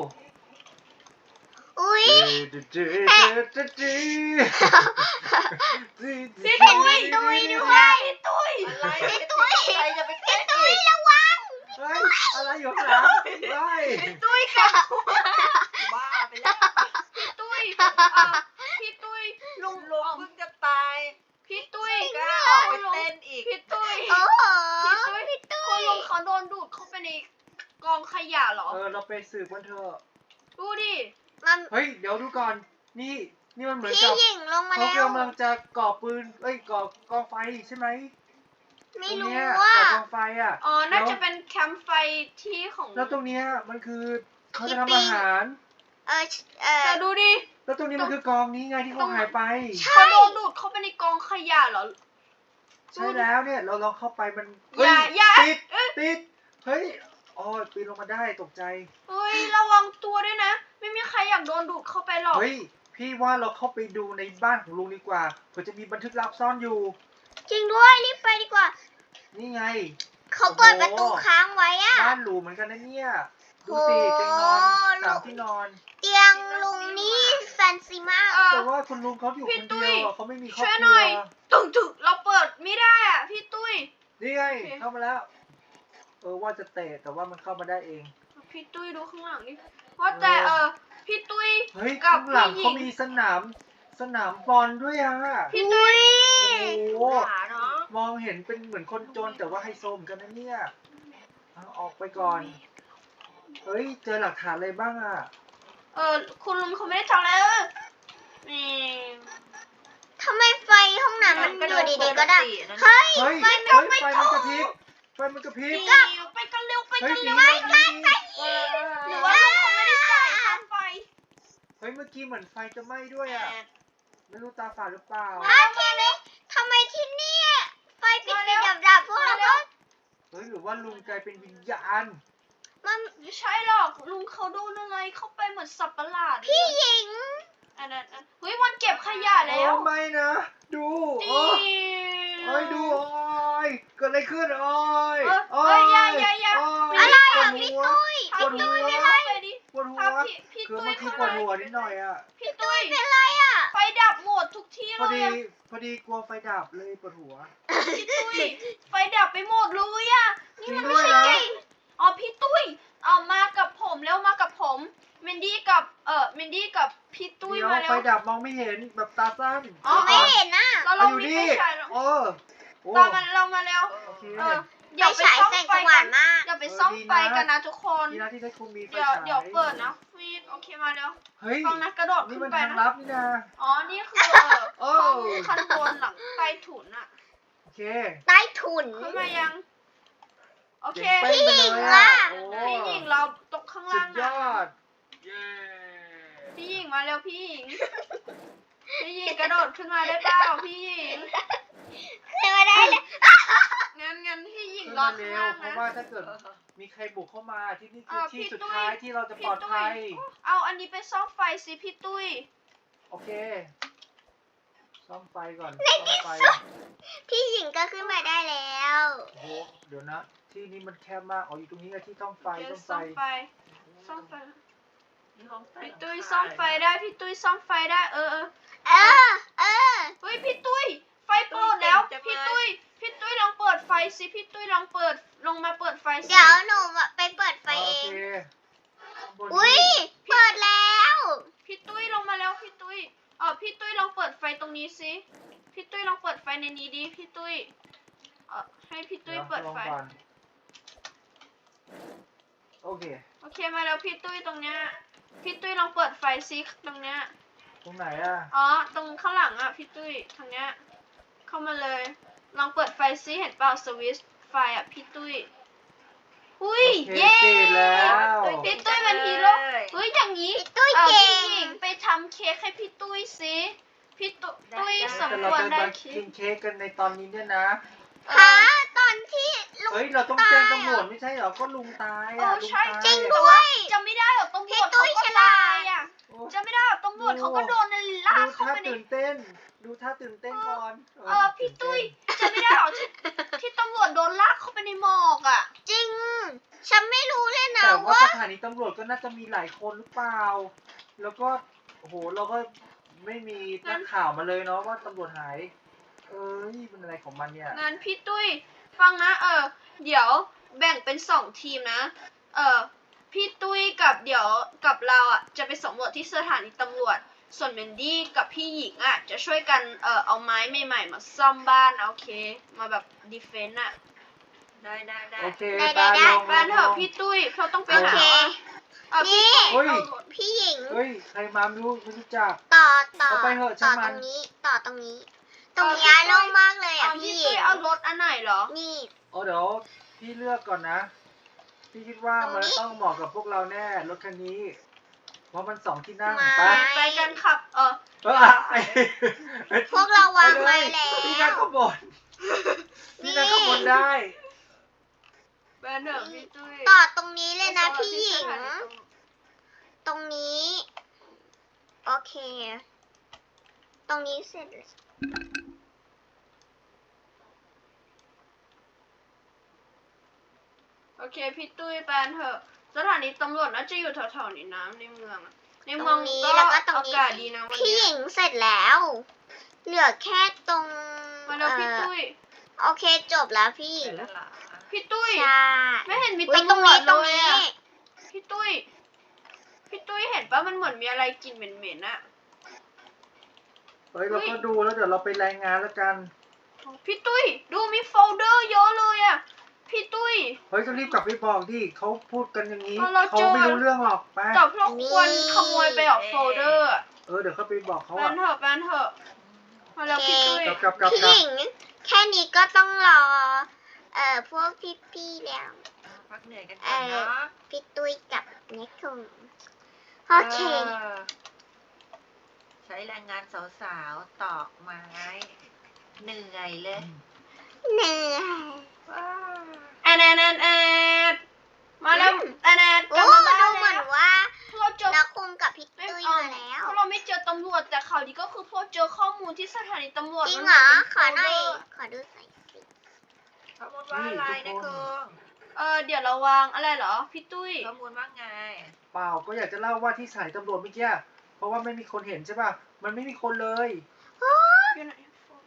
[SPEAKER 2] อุ้ย
[SPEAKER 1] พี่
[SPEAKER 2] เห็น
[SPEAKER 1] ตุ้ย
[SPEAKER 2] พี่ตุ้ยด้วย
[SPEAKER 1] พี่ตุ้ย
[SPEAKER 4] อะไร
[SPEAKER 2] พี่ตุ้ย
[SPEAKER 4] ใครจะไปเต้น
[SPEAKER 2] ตุ้
[SPEAKER 4] อี
[SPEAKER 2] ย
[SPEAKER 4] ก
[SPEAKER 2] ระวัง
[SPEAKER 3] เฮ้ยอะไรอยู่ข้างหลังเฮ้ย
[SPEAKER 1] ตุ้ยกับ
[SPEAKER 4] บ้าไปแล้ว
[SPEAKER 1] พี่ตุ้ยเอ่อพี่ตุ้ยลุง
[SPEAKER 4] ลุงเพิ่งจะตาย
[SPEAKER 1] พี่ตุ้ย
[SPEAKER 4] กล้าออกไปเต้นอีก
[SPEAKER 1] พี่ตุ้ย
[SPEAKER 2] โอ้โห
[SPEAKER 1] พี่ตุ้ยคุณลุงเขาโดนดูดเข้าไปในกองขยะเหรอ
[SPEAKER 3] เออเราไปสืบกันเถอะ
[SPEAKER 1] ดูดิ
[SPEAKER 2] มัน
[SPEAKER 3] เฮ้ยเดี๋ยวดูก่อน นี่นี่มันเหมือน
[SPEAKER 2] พี่
[SPEAKER 3] กับ
[SPEAKER 2] หญิงลงมา
[SPEAKER 3] เขา
[SPEAKER 2] แล้ว
[SPEAKER 3] กำลังจะก่อปืนเอ้ยก่อกองไฟใช่ไหม
[SPEAKER 2] ไม่
[SPEAKER 3] ตรง
[SPEAKER 2] รู้
[SPEAKER 3] เนี้ย
[SPEAKER 2] ว่า
[SPEAKER 3] ก่อกองไฟอ่ะ
[SPEAKER 1] อ๋อ น่า
[SPEAKER 3] แล้ว
[SPEAKER 1] จะเป็นแคมป์ไฟที่ของ
[SPEAKER 3] แล้วตรงเนี้ยมันคือเขาจะ
[SPEAKER 2] ที่
[SPEAKER 3] ทำอาหาร
[SPEAKER 2] เออเออ
[SPEAKER 1] แต่ดูดิ
[SPEAKER 3] แล้วตรงนี้มันคือกองนี้ไงที่เขาหายไป
[SPEAKER 1] เขาโดนดูดเข้าไปในกองขยะเหรอ
[SPEAKER 3] ใช่แล้วเนี่ยเราลองเข้าไปมัน
[SPEAKER 1] อย่าอย่า
[SPEAKER 3] ติด
[SPEAKER 1] เอ้ย
[SPEAKER 3] ติดเฮ้ยอ๋อปีนลงมาได้ตกใจ
[SPEAKER 1] เฮ้ย ระวังตัวด้วยนะ ไม่มีใครอยากโดนดูดเข้าไปหรอก
[SPEAKER 3] เฮ้ยพี่ว่าเราเข้าไปดูในบ้านของลุงดีกว่าเผื่อจะมีบันทึกลับซ่อนอยู่
[SPEAKER 2] จริงด้วยรีบไปดีกว่า
[SPEAKER 3] นี่ไง
[SPEAKER 2] เขาเปิดประตูค้างไว้อะ
[SPEAKER 3] บ้านหรูเหมือนกันนะเนี่ยดูสิเตียงนอน
[SPEAKER 2] โอ้
[SPEAKER 3] สามที่นอน
[SPEAKER 2] เตียงลุงนี่แฟนซีมาก
[SPEAKER 1] เออ
[SPEAKER 3] แต่ว่าคุณลุงเขาอยู่
[SPEAKER 1] พี่
[SPEAKER 3] คน
[SPEAKER 1] ตุ้
[SPEAKER 3] เดี
[SPEAKER 1] ย
[SPEAKER 3] ยวอะเขาไม่มีครอบ
[SPEAKER 1] ช่วย
[SPEAKER 3] ค
[SPEAKER 1] ห
[SPEAKER 3] รั
[SPEAKER 1] น่
[SPEAKER 3] ว
[SPEAKER 1] อย ตึงถึกเราเปิดไม่ได้อ่ะ พี่ตุ้ย
[SPEAKER 3] นี่ไง
[SPEAKER 1] โอเค
[SPEAKER 3] เข้ามาแล้ว เออว่าจะเตะแต่ว่ามันเข้ามาได้เอง
[SPEAKER 1] พี่ตุ้ยดูข้างหลังดิว่าแต่เออพี่ตุ้ย
[SPEAKER 3] เฮ้ย
[SPEAKER 1] กับ
[SPEAKER 3] ข้างหลัง
[SPEAKER 1] พี่หญิง
[SPEAKER 3] เขามีสนามสนามบอลด้วยอ่ะ
[SPEAKER 1] พี่ตุ้ย
[SPEAKER 3] โอ้
[SPEAKER 4] หาเนาะ
[SPEAKER 3] มองเห็นเป็นเหมือนคนจนแต่ว่าไฮโซเหมือนกันนะเนี่ยเอาออกไปก่อน เฮ้ยเจอหลักฐานอะไรบ้างอ่ะ
[SPEAKER 1] เออคุณลุงเขาไม่ได้ทำอะไรเออนี่
[SPEAKER 2] ทำไมไฟห้องน้ำมัน
[SPEAKER 4] ก็
[SPEAKER 2] อยู่
[SPEAKER 4] ดู
[SPEAKER 2] ดีๆก็ดับ
[SPEAKER 4] ปตินะ
[SPEAKER 2] เฮ้ย
[SPEAKER 3] เฮ้ย
[SPEAKER 2] ไฟ
[SPEAKER 3] เฮ้ย
[SPEAKER 2] ไม่
[SPEAKER 3] ไฟ
[SPEAKER 2] ไม่
[SPEAKER 3] มัน
[SPEAKER 2] ถู
[SPEAKER 3] กระ
[SPEAKER 2] ก
[SPEAKER 3] พริบไฟมันกระพริบ
[SPEAKER 1] นี่ไปกันเร็วไป
[SPEAKER 3] เฮ้ย
[SPEAKER 1] กัน
[SPEAKER 3] หนี
[SPEAKER 1] เร็ว
[SPEAKER 3] หนีหนี
[SPEAKER 1] หรือว่าลุงเขาไม่ได้จ่ายค่าไฟ
[SPEAKER 3] เฮ้ยเมื่อกี้เหมือนไฟจะไหม้ด้วยอ่ะ ไม่รู้ตาฝาดหรือเปล่า
[SPEAKER 2] อ้าวทีนี้ทำไมที่นี่ไฟปิดปิดดับดับๆพวกเราก็
[SPEAKER 3] เฮ้ยหรือว่าลุงกลายเป็นวิญญาณ
[SPEAKER 2] มัน
[SPEAKER 1] ไม่ใช่หรอกลุงเขาโดนอะไรเข้าไปเหมือนสับประหลาด
[SPEAKER 2] พี่หญิง
[SPEAKER 1] อันนั้นอันเฮ้ยวันเก็บขยะแล้ว
[SPEAKER 3] โอ้ไม่นะ ดู
[SPEAKER 1] จ
[SPEAKER 3] โอ้
[SPEAKER 1] ริง
[SPEAKER 3] เอ้ยดูโอ้ยเกิดอะไรขึ้นโอ้ย
[SPEAKER 1] เอ้ย
[SPEAKER 3] โอ้
[SPEAKER 1] เอ้ยอย่าอย่าอย่า
[SPEAKER 3] โอ้ย
[SPEAKER 2] อะไร
[SPEAKER 3] ปว
[SPEAKER 2] อ่ะ
[SPEAKER 3] ด
[SPEAKER 2] พี่
[SPEAKER 3] หัว
[SPEAKER 2] ตุ้ย
[SPEAKER 1] พา
[SPEAKER 3] ปวด
[SPEAKER 1] พี่
[SPEAKER 3] หัว
[SPEAKER 1] ตุ้ยเข้าไปดิ
[SPEAKER 3] ปวดหัว
[SPEAKER 1] พาพี่พี่
[SPEAKER 3] คือ
[SPEAKER 1] ตุ้ย
[SPEAKER 3] เมื่อกี้
[SPEAKER 1] เข้า
[SPEAKER 3] ปวด
[SPEAKER 1] ไป
[SPEAKER 3] หัวนิดหน่อยอ่ะ
[SPEAKER 1] พี่ตุ้ย
[SPEAKER 2] เป็นไรอ่ะ
[SPEAKER 1] ไฟดับหมดทุกที่
[SPEAKER 3] พอ
[SPEAKER 1] เลย
[SPEAKER 3] ดี
[SPEAKER 1] อะ
[SPEAKER 3] พอดีกลัวไฟดับเลยปวดหัว
[SPEAKER 1] พี่ตุ้ยไฟดับไปหมดเลยอะนี่มัน
[SPEAKER 3] จริงด้
[SPEAKER 1] ไม่
[SPEAKER 3] วย
[SPEAKER 1] ใช่
[SPEAKER 3] นะ
[SPEAKER 1] เก่งอ๋อพี่ตุ้ยเอามากับผมแล้วมากับผมเมนดี้กับเออเมนดี้กับพี่ตุ้ย
[SPEAKER 3] เดี๋ยว
[SPEAKER 1] มาแล้
[SPEAKER 3] ไฟ
[SPEAKER 1] ว
[SPEAKER 3] ดับมองไม่เห็นแบบตาสั้น
[SPEAKER 1] อ๋อ
[SPEAKER 2] ไม่เห็นอ่ะ
[SPEAKER 1] เรา
[SPEAKER 3] เอา
[SPEAKER 1] เรา
[SPEAKER 3] อยู่
[SPEAKER 1] มี
[SPEAKER 3] นี่
[SPEAKER 1] ไฟฉายแล้ว
[SPEAKER 3] เออโอ้
[SPEAKER 1] ตามมาเรามาแล้ว
[SPEAKER 3] โอเค
[SPEAKER 1] เออเดี๋ยว
[SPEAKER 2] ไฟ
[SPEAKER 1] ไป
[SPEAKER 2] ฉาย
[SPEAKER 1] ซ่อม
[SPEAKER 2] แสง
[SPEAKER 1] ไฟ
[SPEAKER 2] สว่า
[SPEAKER 1] กั
[SPEAKER 2] ง
[SPEAKER 1] น
[SPEAKER 2] มาก
[SPEAKER 1] เดี๋ยวไปซ่อมไฟกันนะทุกคน
[SPEAKER 3] ดีนะที่ได้ครูมีไฟ
[SPEAKER 1] เดี๋ยว
[SPEAKER 3] ฉาย
[SPEAKER 1] เดี๋ยวเปิดนะฟีดโอเคมาแล้ว
[SPEAKER 3] เฮ้ย
[SPEAKER 1] ฟังนะกระโดด
[SPEAKER 3] นี่
[SPEAKER 1] ขึ้
[SPEAKER 3] มัน
[SPEAKER 1] นไป
[SPEAKER 3] ทาง
[SPEAKER 1] นะ
[SPEAKER 3] ลับนี่นะ
[SPEAKER 1] อ๋อนี่คือเออ
[SPEAKER 3] โอ้
[SPEAKER 1] ห้องคันบนหลังใต้ถุนอะ
[SPEAKER 3] โอเค
[SPEAKER 2] ใต้ถุน
[SPEAKER 1] ขึ้นมายังโอเค
[SPEAKER 3] เจ๋งเป้งไปเลย
[SPEAKER 2] พี่หญิงล่ะ
[SPEAKER 3] โอ้
[SPEAKER 1] พี่หญิงเราตกข้าง
[SPEAKER 3] สุ
[SPEAKER 1] ล่าง
[SPEAKER 3] ดย
[SPEAKER 1] นะ
[SPEAKER 3] อด เย้
[SPEAKER 1] พี่หญิงมาแล้วพี่หญิง พี่หญิงกระโดดขึ้นมาได้เปล่าพี่หญิง
[SPEAKER 2] ขึ้นมาได้เลย
[SPEAKER 1] งั้นงั้นพี่หญิง
[SPEAKER 3] ขึ้น
[SPEAKER 1] รอ
[SPEAKER 3] มา
[SPEAKER 1] ข้าง
[SPEAKER 3] เร็ว
[SPEAKER 1] ล่าง
[SPEAKER 3] เพราะ
[SPEAKER 1] นะ
[SPEAKER 3] ว่าถ้าเกิดมีใครบุกเข้ามาที่นี่คือ
[SPEAKER 1] เออ
[SPEAKER 3] ที่
[SPEAKER 1] พี่
[SPEAKER 3] สุด
[SPEAKER 1] ตุ้ย
[SPEAKER 3] ท้ายที่เราจะป
[SPEAKER 1] พี่
[SPEAKER 3] ลอด
[SPEAKER 1] ตุ้
[SPEAKER 3] ภั
[SPEAKER 1] ย
[SPEAKER 3] ย
[SPEAKER 1] เอาอันนี้ไปซ่อมไฟสิพี่ตุ้ย
[SPEAKER 3] โอเค ซ่อมไฟก่อน ซ่อมไฟ
[SPEAKER 2] พี่หญิงก็ขึ้นมาได้แล้ว
[SPEAKER 3] โอ้โห เดี๋ยวนะ ที่นี่มันแคบมาก อ๋อ อยู่ตรงนี้ไงที่ซ่อมไฟ
[SPEAKER 1] เดี๋ยว
[SPEAKER 3] ซ่อมไฟ
[SPEAKER 1] ซ่อมไฟซ่อมไฟพี่ตุ้ยซ่อมไฟได้พี่ตุ้ยซ่อมไฟได้เออเออ
[SPEAKER 2] เออ เออ
[SPEAKER 1] เฮ้ยพี่ตุ้ยไฟเปิดแล้วพี่ตุ้ยพี่ตุ้ยลองเปิดไฟสิพี่ตุ้ยลองเปิดลงมาเปิดไฟสิ
[SPEAKER 2] เดี๋ยวหนูไปเปิดไฟ
[SPEAKER 3] โอ
[SPEAKER 2] เอง
[SPEAKER 3] เคข้างบน
[SPEAKER 2] อุ้ย
[SPEAKER 3] นี้
[SPEAKER 2] เปิดแล้ว
[SPEAKER 1] พี่ตุ้ยลงมาแล้วพี่ตุ้ยเออพี่ตุ้ยลองเปิดไฟตรงนี้สิพี่ตุ้ยลองเปิดไฟในนี้ดิพี่ตุ้ยเออให้พี่ตุ้ย
[SPEAKER 3] เดี๋ยว
[SPEAKER 1] เปิด
[SPEAKER 3] ลอง
[SPEAKER 1] ไฟ
[SPEAKER 3] ก่อนโอเค
[SPEAKER 1] โอเคมาแล้วพี่ตุ้ยตรงเนี้ยพี่ตุ้ยลองเปิดไฟซิตรงเนี้ย
[SPEAKER 3] ตรงไหนอ่ะ
[SPEAKER 1] อ๋อตรงข้างหลังอ่ะพี่ตุ้ยทางเนี้ยเข้ามาเลยลองเปิดไฟซิเห็นเปล่าสวิตช์ไฟอ่ะพี่ตุ้ยอุ้ย
[SPEAKER 3] โอเค
[SPEAKER 1] เย้
[SPEAKER 3] ติดแล้ว
[SPEAKER 1] พี่ตุ้ยเป็นฮีโร่เฮ้ยอย่างนี้
[SPEAKER 2] พี่ตุ้ย
[SPEAKER 1] เออ
[SPEAKER 2] เก่
[SPEAKER 1] พี่
[SPEAKER 2] ง
[SPEAKER 1] หญิงไปทำเค้กให้พี่ตุ้ยสิพี่ตุ้
[SPEAKER 4] ได้
[SPEAKER 1] ตุ้ย
[SPEAKER 4] ได้
[SPEAKER 1] สม
[SPEAKER 3] แต่
[SPEAKER 1] ค
[SPEAKER 3] เรา
[SPEAKER 1] วร
[SPEAKER 3] จะ
[SPEAKER 1] ได้
[SPEAKER 3] มา
[SPEAKER 1] เค้
[SPEAKER 3] กิ
[SPEAKER 1] ก
[SPEAKER 3] นเค้กกันในตอนนี้เนี่ยนะ
[SPEAKER 1] เอ
[SPEAKER 2] หา
[SPEAKER 1] อ
[SPEAKER 2] ตอนที่ลุง
[SPEAKER 3] เฮ้ย เราต้องแจ้งตำรวจไม่ใช่เหรอ ก็ลุงตาย
[SPEAKER 1] เอ
[SPEAKER 3] อ่ะ
[SPEAKER 1] อ
[SPEAKER 3] ลุง
[SPEAKER 1] ใช่
[SPEAKER 3] ตาย
[SPEAKER 2] จริง
[SPEAKER 3] อะ
[SPEAKER 2] ด้วย
[SPEAKER 1] จะไม่ได้หรอตำรวจ
[SPEAKER 2] พี่ตุ้
[SPEAKER 1] เขา
[SPEAKER 2] ย
[SPEAKER 1] ก็
[SPEAKER 2] ฉลาด
[SPEAKER 1] ตายอ่ะ
[SPEAKER 3] โอ้
[SPEAKER 1] จะไม่ได้หรอตำรวจเขาก็โดนลาก
[SPEAKER 3] ดู
[SPEAKER 1] เข้า
[SPEAKER 3] ท่า
[SPEAKER 1] ไปใน
[SPEAKER 3] ตื่นเต้น ดูท่าตื่นเต้นก่อน
[SPEAKER 1] เออพี่ตุ้ยจะไม่ได้หรอที่ที่ตำรวจโดนลากเข้าไปในหมอกอ่ะ
[SPEAKER 2] จริง ฉันไม่รู้เลยนะ
[SPEAKER 3] แต่ว่า
[SPEAKER 2] ว่า
[SPEAKER 3] สถานีตำรวจก็น่าจะมีหลายคนหรือเปล่า แล้วก็ โอ้โห เราก็ไม่มีนักข่าวมาเลยเนาะว่าตำรวจหาย เอ้ยเป็นอะไรของมันเนี่ย
[SPEAKER 1] งั้นพี่ตุ้ยฟังนะเออเดี๋ยวแบ่งเป็นสองทีมนะเออพี่ตุ้ยกับเดี๋ยวกับเราอ่ะจะไปสำรวจที่สถานีตำรวจส่วนเมนดี้กับพี่หญิงอ่ะจะช่วยกันเออเอาไม้ใหม่ๆมาซ่อมบ้านนะโอเค มาแบบดีเฟนต์อ่ะ
[SPEAKER 4] ได้ได้ได้
[SPEAKER 3] โอเค
[SPEAKER 2] ได้
[SPEAKER 3] ปา
[SPEAKER 2] ได้
[SPEAKER 3] ลง
[SPEAKER 1] แปนเถอะพี่ตุ้ยเขาต้องไป
[SPEAKER 2] โอ
[SPEAKER 1] หา
[SPEAKER 2] เค
[SPEAKER 1] เออพี่
[SPEAKER 2] นี่
[SPEAKER 1] ตุ้ย
[SPEAKER 3] เฮ้ย
[SPEAKER 1] เอารถ
[SPEAKER 2] พี่หญิง
[SPEAKER 3] เฮ้ยใครมาไม่รู้ไม่รู้จัก
[SPEAKER 2] ต่อต่อ
[SPEAKER 3] เอาไปเถอะ
[SPEAKER 2] ต่อ
[SPEAKER 3] ช่างมั
[SPEAKER 2] ตร
[SPEAKER 3] น
[SPEAKER 2] งนี้ต่อตรงนี้ ตรงนี้โล่งมากเลย
[SPEAKER 1] เอา
[SPEAKER 2] อ่ะพี่
[SPEAKER 1] พี่
[SPEAKER 2] หญิ
[SPEAKER 1] ตุ้ย
[SPEAKER 2] ง
[SPEAKER 1] เอารถอันไหนเหรอ
[SPEAKER 2] นี่
[SPEAKER 3] โอ้เดี๋ยวพี่เลือกก่อนนะ พี่คิดว่า
[SPEAKER 2] ตรง
[SPEAKER 3] มัน
[SPEAKER 2] นี้
[SPEAKER 3] ต้องเหมาะกับพวกเราแน่รถคันนี้ เพราะมันสองที่นั่ง
[SPEAKER 2] มา
[SPEAKER 3] ไป
[SPEAKER 1] ไปกันขับ เออ
[SPEAKER 3] เออไอ้
[SPEAKER 2] พวกเราวาง
[SPEAKER 3] ป
[SPEAKER 2] ไว้
[SPEAKER 3] เลย
[SPEAKER 2] แล้ว
[SPEAKER 3] พี่นั่งข้างบน
[SPEAKER 2] นี่
[SPEAKER 3] พี่นั่งข้างบนได้
[SPEAKER 1] แปนเถอะพี่ตุ้ย
[SPEAKER 2] ต่อตรงนี้เลยนะพี่หญิง
[SPEAKER 1] สถานีตำรวจ
[SPEAKER 2] ตรงนี้ โอเค ตรงนี้เสร็จแล้ว
[SPEAKER 1] โอเคพี่ตุ้ยแปนเถอะสถานีตำรวจน่าจะอยู่แถวๆนี้นะในเมืองอะใน
[SPEAKER 2] ต
[SPEAKER 1] เมื
[SPEAKER 2] ร
[SPEAKER 1] อง
[SPEAKER 2] งนี้
[SPEAKER 1] ก็
[SPEAKER 2] แล้วก็ตรง
[SPEAKER 1] อา
[SPEAKER 2] นี้
[SPEAKER 1] กาศดีนะวัน
[SPEAKER 2] พี่ห
[SPEAKER 1] เนี้
[SPEAKER 2] ญิ
[SPEAKER 1] ย
[SPEAKER 2] งเสร็จแล้ว เหลือแค่ตรง
[SPEAKER 1] มาแล้วพี่
[SPEAKER 2] เอ่อ
[SPEAKER 1] ตุ้ย
[SPEAKER 2] โอเคจบแล้วพี่หญิ
[SPEAKER 4] เสร็
[SPEAKER 2] ง
[SPEAKER 4] จแล้วเหรอ
[SPEAKER 1] พี่ตุ้ย
[SPEAKER 2] ใช่
[SPEAKER 1] ไม่เห็นมี
[SPEAKER 2] อุ๊ย
[SPEAKER 1] ตำรวจ
[SPEAKER 2] ตรง
[SPEAKER 1] เล
[SPEAKER 2] นี้
[SPEAKER 1] ย
[SPEAKER 2] ตรง
[SPEAKER 1] อะ
[SPEAKER 2] นี้
[SPEAKER 1] พี่ตุ้ย พี่ตุ้ยเห็นปะมันเหมือนมีอะไรกลิ่นเหม็นๆอะ
[SPEAKER 3] เฮ้ยเราก็ดูแล้วเดี๋ยวเราไปรายงานแล้วกัน
[SPEAKER 1] พี่ตุ้ยดูมีโฟลเดอร์เยอะเลยอะพี่ตุ้ย
[SPEAKER 3] เฮ้ยก็รีบกลับไปบอกดิเขาพูดกันอย่างนี้
[SPEAKER 1] เอาเรา
[SPEAKER 3] เขา
[SPEAKER 1] เจอ
[SPEAKER 3] ไม่รู้เรื่องหรอกไป
[SPEAKER 1] แต่พวกควรขโมยไปออกโฟลเดอร์อะ
[SPEAKER 3] เออเดี๋ยวเขาไปบอกเขา
[SPEAKER 1] แป
[SPEAKER 3] อะ
[SPEAKER 1] นเถอะแปนเถอะมาแล้วพี่ตุ้ย
[SPEAKER 3] กลับกลับกลับ
[SPEAKER 2] พี่
[SPEAKER 3] กลับ
[SPEAKER 2] หญิง แค่นี้ก็ต้องรอ เอ่อพวกพี่ๆแล้ว
[SPEAKER 4] พักเหนื่อยกันก่อนเนาะ
[SPEAKER 2] พี่ตุ้ยกับเนคคุงโอเค
[SPEAKER 4] อใช้แรงงานสาวๆตอกไม้เหนื่อยเลย
[SPEAKER 2] เหนื่อย
[SPEAKER 4] ว้าว
[SPEAKER 1] แอนแอนแอนแอนมาแล้ว
[SPEAKER 2] อืม
[SPEAKER 1] แอนแอนก
[SPEAKER 2] โอ้
[SPEAKER 1] ลับมา
[SPEAKER 2] ดู
[SPEAKER 1] บ้าน
[SPEAKER 2] เหมือน
[SPEAKER 1] แล้ว
[SPEAKER 2] ว่า
[SPEAKER 1] เราเจอ
[SPEAKER 2] นักคุงกับพี่
[SPEAKER 1] ไม่
[SPEAKER 2] ตุ้ย
[SPEAKER 1] เอา
[SPEAKER 2] มาแล้ว
[SPEAKER 1] เพราะเราไม่เจอตำรวจแต่ข่าวดีก็คือพวกเจอข้อมูลที่สถานีตำรวจ
[SPEAKER 2] จริง
[SPEAKER 1] มัน
[SPEAKER 2] เหรอ
[SPEAKER 1] เป็น
[SPEAKER 2] ขอหน่อย
[SPEAKER 1] โฟลเดร์
[SPEAKER 2] ขอดูใส่สิ
[SPEAKER 4] ข้อมูลว่าอะไรนะคุณ
[SPEAKER 1] เออเดี๋ยวเราวางอะไรเหรอพี่ตุ้ย
[SPEAKER 4] ข้อมูลว่าไง
[SPEAKER 3] เปล่าก็อยากจะเล่าว่าที่สถายตำรวจเมื่อกี้เพราะว่าไม่มีคนเห็นใช่ป่ะมันไม่มีคนเลย
[SPEAKER 1] อยู่ไหน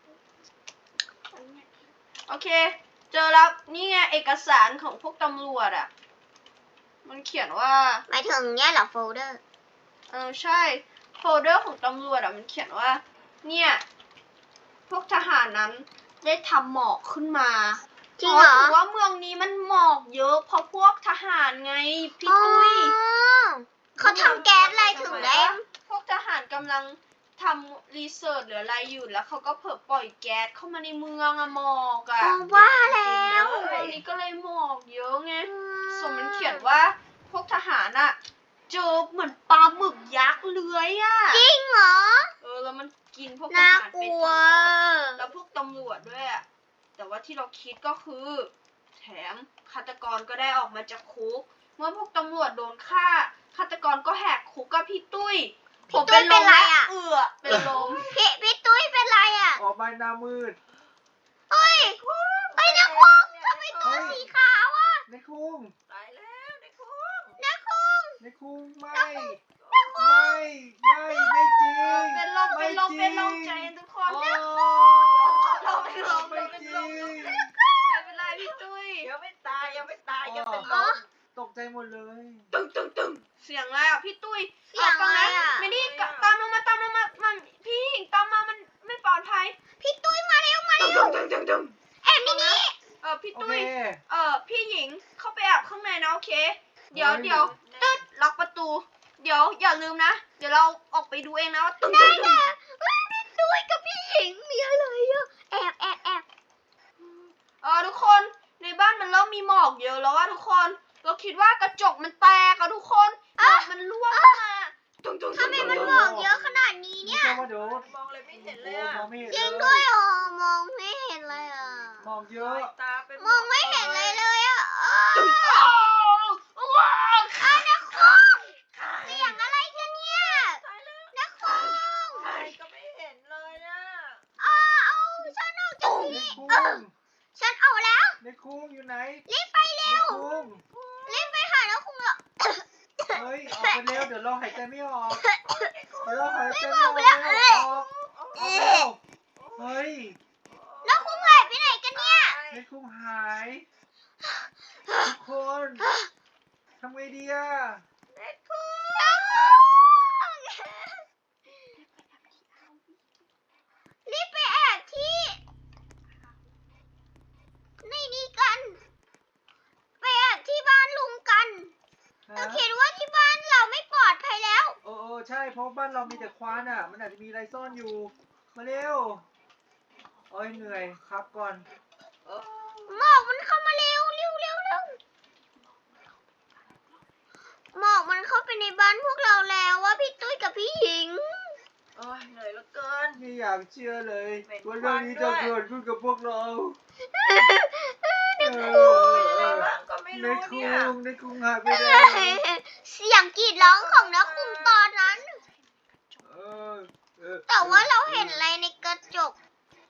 [SPEAKER 1] โอเค เจอแล้วนี่ไงเอกสารของพวกตำรวจอ่ะ มันเขียนว่า
[SPEAKER 2] หมายถึงเนี่ยเหรอโฟลเดอร์
[SPEAKER 1] เออใช่โฟลเดอร์ของตำรวจอ่ะมันเขียนว่า เนี่ย พวกทหารนั้นได้ทำหมอกขึ้นมา
[SPEAKER 2] จริงเหรอ
[SPEAKER 1] ถือว่าเมืองนี้มันหมอกเยอะเพราะพวกทหารไงพี่ตุ้ย
[SPEAKER 2] อ๋อเขาทำแก๊สอะไรถึงได้
[SPEAKER 1] พวกทหารกำลังทำรีเสิร์ชหรืออะไรอยู่แล้วเขาก็เผลอปล่อยแก๊สเข้ามาในเมืองอะหมอกอะ
[SPEAKER 2] อ๋อว่าแล้ว
[SPEAKER 1] เมืองนี้ก็เลยหมอกเยอะไงส่วนมันเขียนว่าพวกทหารอะเจอเหมือนปลาหมึกยักษ์เลื้อยอะ
[SPEAKER 2] จริงเหรอ
[SPEAKER 1] เออแล้วมันกินพวกท
[SPEAKER 2] น่า
[SPEAKER 1] หาร
[SPEAKER 2] ก
[SPEAKER 1] ไป
[SPEAKER 2] ลั
[SPEAKER 1] ทั้ง
[SPEAKER 2] ว
[SPEAKER 1] หมดแล้วพวกตำรวจด้วยอะแต่ว่าที่เราคิดก็คือ แถมฆาตกรก็ได้ออกมาจากคุก เมื่อพวกตำรวจโดนฆ่าฆาตกรก็แหกคุกกับพี่ตุ้ย
[SPEAKER 2] พี่ตุ้ยเป็นไรอะ
[SPEAKER 1] เอือเป็นลม
[SPEAKER 2] พี่พี่ตุ้ยเป็นไรอ่ะ
[SPEAKER 3] ออกมาหน้ามืด
[SPEAKER 2] เฮ้ยเฮ้ยนักคุงทำไมตัวสีขาวอ่ะ
[SPEAKER 3] ในคุ้ง
[SPEAKER 4] ตายแล้วในคุก
[SPEAKER 2] นักคุง
[SPEAKER 3] ในคุ้งไม่ ไม่ไม่ไม่จริง
[SPEAKER 1] เป็นลมเป็นลมเป็นลมใจเย็นทุกคน
[SPEAKER 3] โอ้
[SPEAKER 1] เราเป็นลม
[SPEAKER 3] ไม่
[SPEAKER 1] เราเป็น
[SPEAKER 3] จ
[SPEAKER 1] ล
[SPEAKER 3] ริ
[SPEAKER 1] ม
[SPEAKER 3] ง
[SPEAKER 1] ไม่เป็นไรพี่ตุ้ย
[SPEAKER 4] ยังไม่ตายยังไม่ตายยังเป็นล
[SPEAKER 2] อ๋อ
[SPEAKER 4] ม
[SPEAKER 3] ตกใจหมดเลย
[SPEAKER 1] ตึงตึงตึงเสียงอะไรอ่ะพี่ตุ้ย
[SPEAKER 2] เสียงอะไร
[SPEAKER 1] ฟั
[SPEAKER 2] อ่ะ
[SPEAKER 1] ไม่ได้ตามลงมาตามลงมามันพี่หญิงตามมามันไม่ปลอดภัย
[SPEAKER 2] พี่ตุ้ยมาเร็วมา
[SPEAKER 1] ตึง
[SPEAKER 2] เร็ว
[SPEAKER 1] ตึงตึงตึง
[SPEAKER 2] แอบในนี้
[SPEAKER 1] เออพี่
[SPEAKER 3] โอ
[SPEAKER 1] ตุ้
[SPEAKER 3] เค
[SPEAKER 1] ยเออพี่หญิงเข้าไปแอบข้างในนะโอเค เดี๋ยว
[SPEAKER 3] เฮ้ย
[SPEAKER 1] เดี๋ยวตึ๊ดล็อกประตู เดี๋ยวอย่าลืมนะ เดี๋ยวเราออกไปดูเองนะว่าตึงตึงตึง
[SPEAKER 2] เฮ้ยพี่ตุ้ยกับพี่หญิงมีอะไรอ่ะแอบแอบแอบ
[SPEAKER 1] เออทุกคนในบ้านมันเริ่มมีหมอกเยอะแล้วว่าทุกคน เราคิดว่ากระจกมันแตกอะทุกคนหมอกมันร่วงเข้ามาตึงตึง
[SPEAKER 2] ทำไมมันบอกเยอะขนาดนี้
[SPEAKER 3] นี่
[SPEAKER 2] เนี่ย
[SPEAKER 3] แค่ว่าเดี๋ยว
[SPEAKER 4] มองเลยไม่เห็นเล
[SPEAKER 3] โอ้
[SPEAKER 4] ยอะ
[SPEAKER 3] มองไม่เห็น
[SPEAKER 2] จริง
[SPEAKER 3] เล
[SPEAKER 2] ด้วย
[SPEAKER 3] ย
[SPEAKER 2] อ๋อมองไม่เห็นเลยอ่ะ
[SPEAKER 3] มองเย
[SPEAKER 4] ลอ
[SPEAKER 3] อะ
[SPEAKER 4] ยตาไป
[SPEAKER 2] มองไม่เห็นเลยเลยอ่ะอ้าว
[SPEAKER 1] ตึงอ้าวว้าว
[SPEAKER 2] อ้าวนักคุงเสียงอะไรกันเนี่ย
[SPEAKER 4] ตายแล้ว
[SPEAKER 2] นักคุง
[SPEAKER 4] อะไรก็ไม่เห็นเลยอะ
[SPEAKER 2] อ้าวเอาฉันออกจาก
[SPEAKER 3] ใน
[SPEAKER 2] ที่
[SPEAKER 3] คุ้
[SPEAKER 2] เออง ฉันเอาแล้ว
[SPEAKER 3] ในคุ้งอยู่ไหน
[SPEAKER 2] รีบไป
[SPEAKER 3] ใน
[SPEAKER 2] เร็ว
[SPEAKER 3] คุ้ง
[SPEAKER 2] รีบไปหานักคุงเหรอ
[SPEAKER 3] เฮ้ยออกไปเร็วเดี๋ยวเราหายใจไม่ออกเดี๋ยวเราหายใจไม่ออกเร็วออกออกเร็วเฮ้ย
[SPEAKER 2] นักคุงหายไปไหนกันเนี่ย
[SPEAKER 3] ในคุ้งหายทุกคนทำไงดีอะ
[SPEAKER 2] นักคุงรีบไปแอบที่ในนี้กัน
[SPEAKER 3] ราะบ้านเรามีแต่ควันอ่ะ มันอาจจะมีอะไรซ่อนอยู่ มาเร็วโอ้ยเหนื่อยครับก่อน
[SPEAKER 4] โอ้
[SPEAKER 2] หมอกมันเข้ามาเร็วเร็วเร็วเร็วหมอกมันเข้าไปในบ้านพวกเราแล้วว่าพี่ตุ้ยกับพี่หญิง
[SPEAKER 4] โอ้ยเหนื่อยเหลือเกิน
[SPEAKER 3] ไม่อยากเชื่อเลย
[SPEAKER 4] เหม็น
[SPEAKER 3] ว่าเรื่องนี้
[SPEAKER 4] ควั
[SPEAKER 3] จะ
[SPEAKER 4] นด้วย
[SPEAKER 3] เกิดขึ้นกับพวกเรา
[SPEAKER 2] นึก
[SPEAKER 3] เอ
[SPEAKER 2] กลัว
[SPEAKER 3] อ
[SPEAKER 4] เป็นอะไรบ้างก็ไม่
[SPEAKER 3] ใน
[SPEAKER 4] รู้
[SPEAKER 3] คุ
[SPEAKER 4] เนี่ย
[SPEAKER 3] งในคุงหายไปแล้ว
[SPEAKER 2] เสียงกรีดร้องของนักคุมตอนนั้น
[SPEAKER 3] เออเออ
[SPEAKER 2] แต่ว่าเราเห็นอะไรในกระจก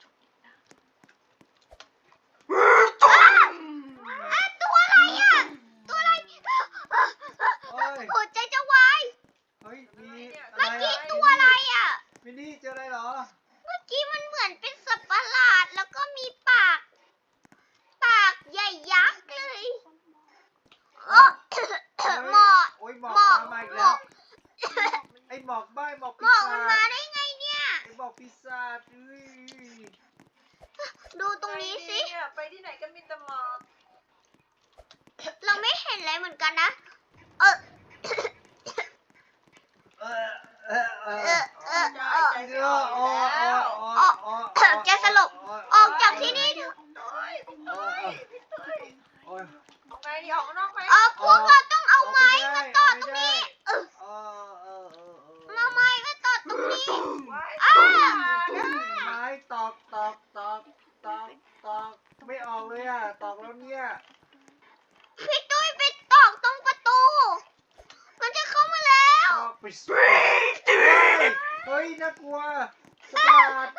[SPEAKER 2] อ้าวอ้าวตัวอะไรอ่ะ ตัวอะไร
[SPEAKER 3] โอ้ย
[SPEAKER 2] หัวใจจะวาย
[SPEAKER 3] เฮ้ยมีอะ
[SPEAKER 2] เมื่อ
[SPEAKER 3] ไร
[SPEAKER 2] กี้
[SPEAKER 3] อ่ะ
[SPEAKER 2] ตัวอะไรอ่ะ
[SPEAKER 3] มินนี่เจออะไรเหรอ
[SPEAKER 2] เมื่อกี้มันเหมือนเป็นสัตว์ประหลาดแล้วก็มีปาก ปากใหญ่ยักษ์เลยเออหมอก
[SPEAKER 3] โอ้ยหมอก
[SPEAKER 2] หมอก
[SPEAKER 3] ตามมาอีก
[SPEAKER 2] หม
[SPEAKER 3] แล้
[SPEAKER 2] อ
[SPEAKER 3] ว
[SPEAKER 2] ก
[SPEAKER 3] ไอหมอกบ้าไอ้หมอก
[SPEAKER 2] หม
[SPEAKER 3] ปี
[SPEAKER 2] อก
[SPEAKER 3] ศา
[SPEAKER 2] มันมา
[SPEAKER 3] จ
[SPEAKER 2] ได้ไงเนี่ย
[SPEAKER 3] ไอหมอกปีศาจอุ้ย
[SPEAKER 2] ดูตรงนี้สิ
[SPEAKER 4] ไปเนี่ยไปที่ไหนก็มีแต่หมอก
[SPEAKER 2] เราไม่เห็นอะไรเหมือนกันนะ เออ
[SPEAKER 3] เออเออเอ
[SPEAKER 2] เอ
[SPEAKER 3] อ
[SPEAKER 2] อ เออ เออ
[SPEAKER 4] ใจไม่ออกอยู่แล้ว
[SPEAKER 2] ออกแกสลบ ออกจากที่นี่เถอะ
[SPEAKER 4] โอ้ยพี่ตุ้ยพี่ตุ้ย
[SPEAKER 3] โอ้ย
[SPEAKER 4] ออกไงดีออกข้างนอกไหม
[SPEAKER 2] เออพวกเราต้องเอาไม้มาต่อตรงนี้ เออ
[SPEAKER 3] เออเออเออเออ
[SPEAKER 2] มาไม้มาต่อตรงนี้
[SPEAKER 4] ไว้
[SPEAKER 2] อ้า
[SPEAKER 3] ไม้ตอกตอกตอกตอกตอกไม่ออกเลยอ่ะตอกแล้วเนี่ย
[SPEAKER 2] พี่ตุ้ยไปตอกตรงประตู มันจะเข้ามาแล้ว
[SPEAKER 3] ตอกไปสิเฮ้ยเฮ้ยน่ากลัวสปาด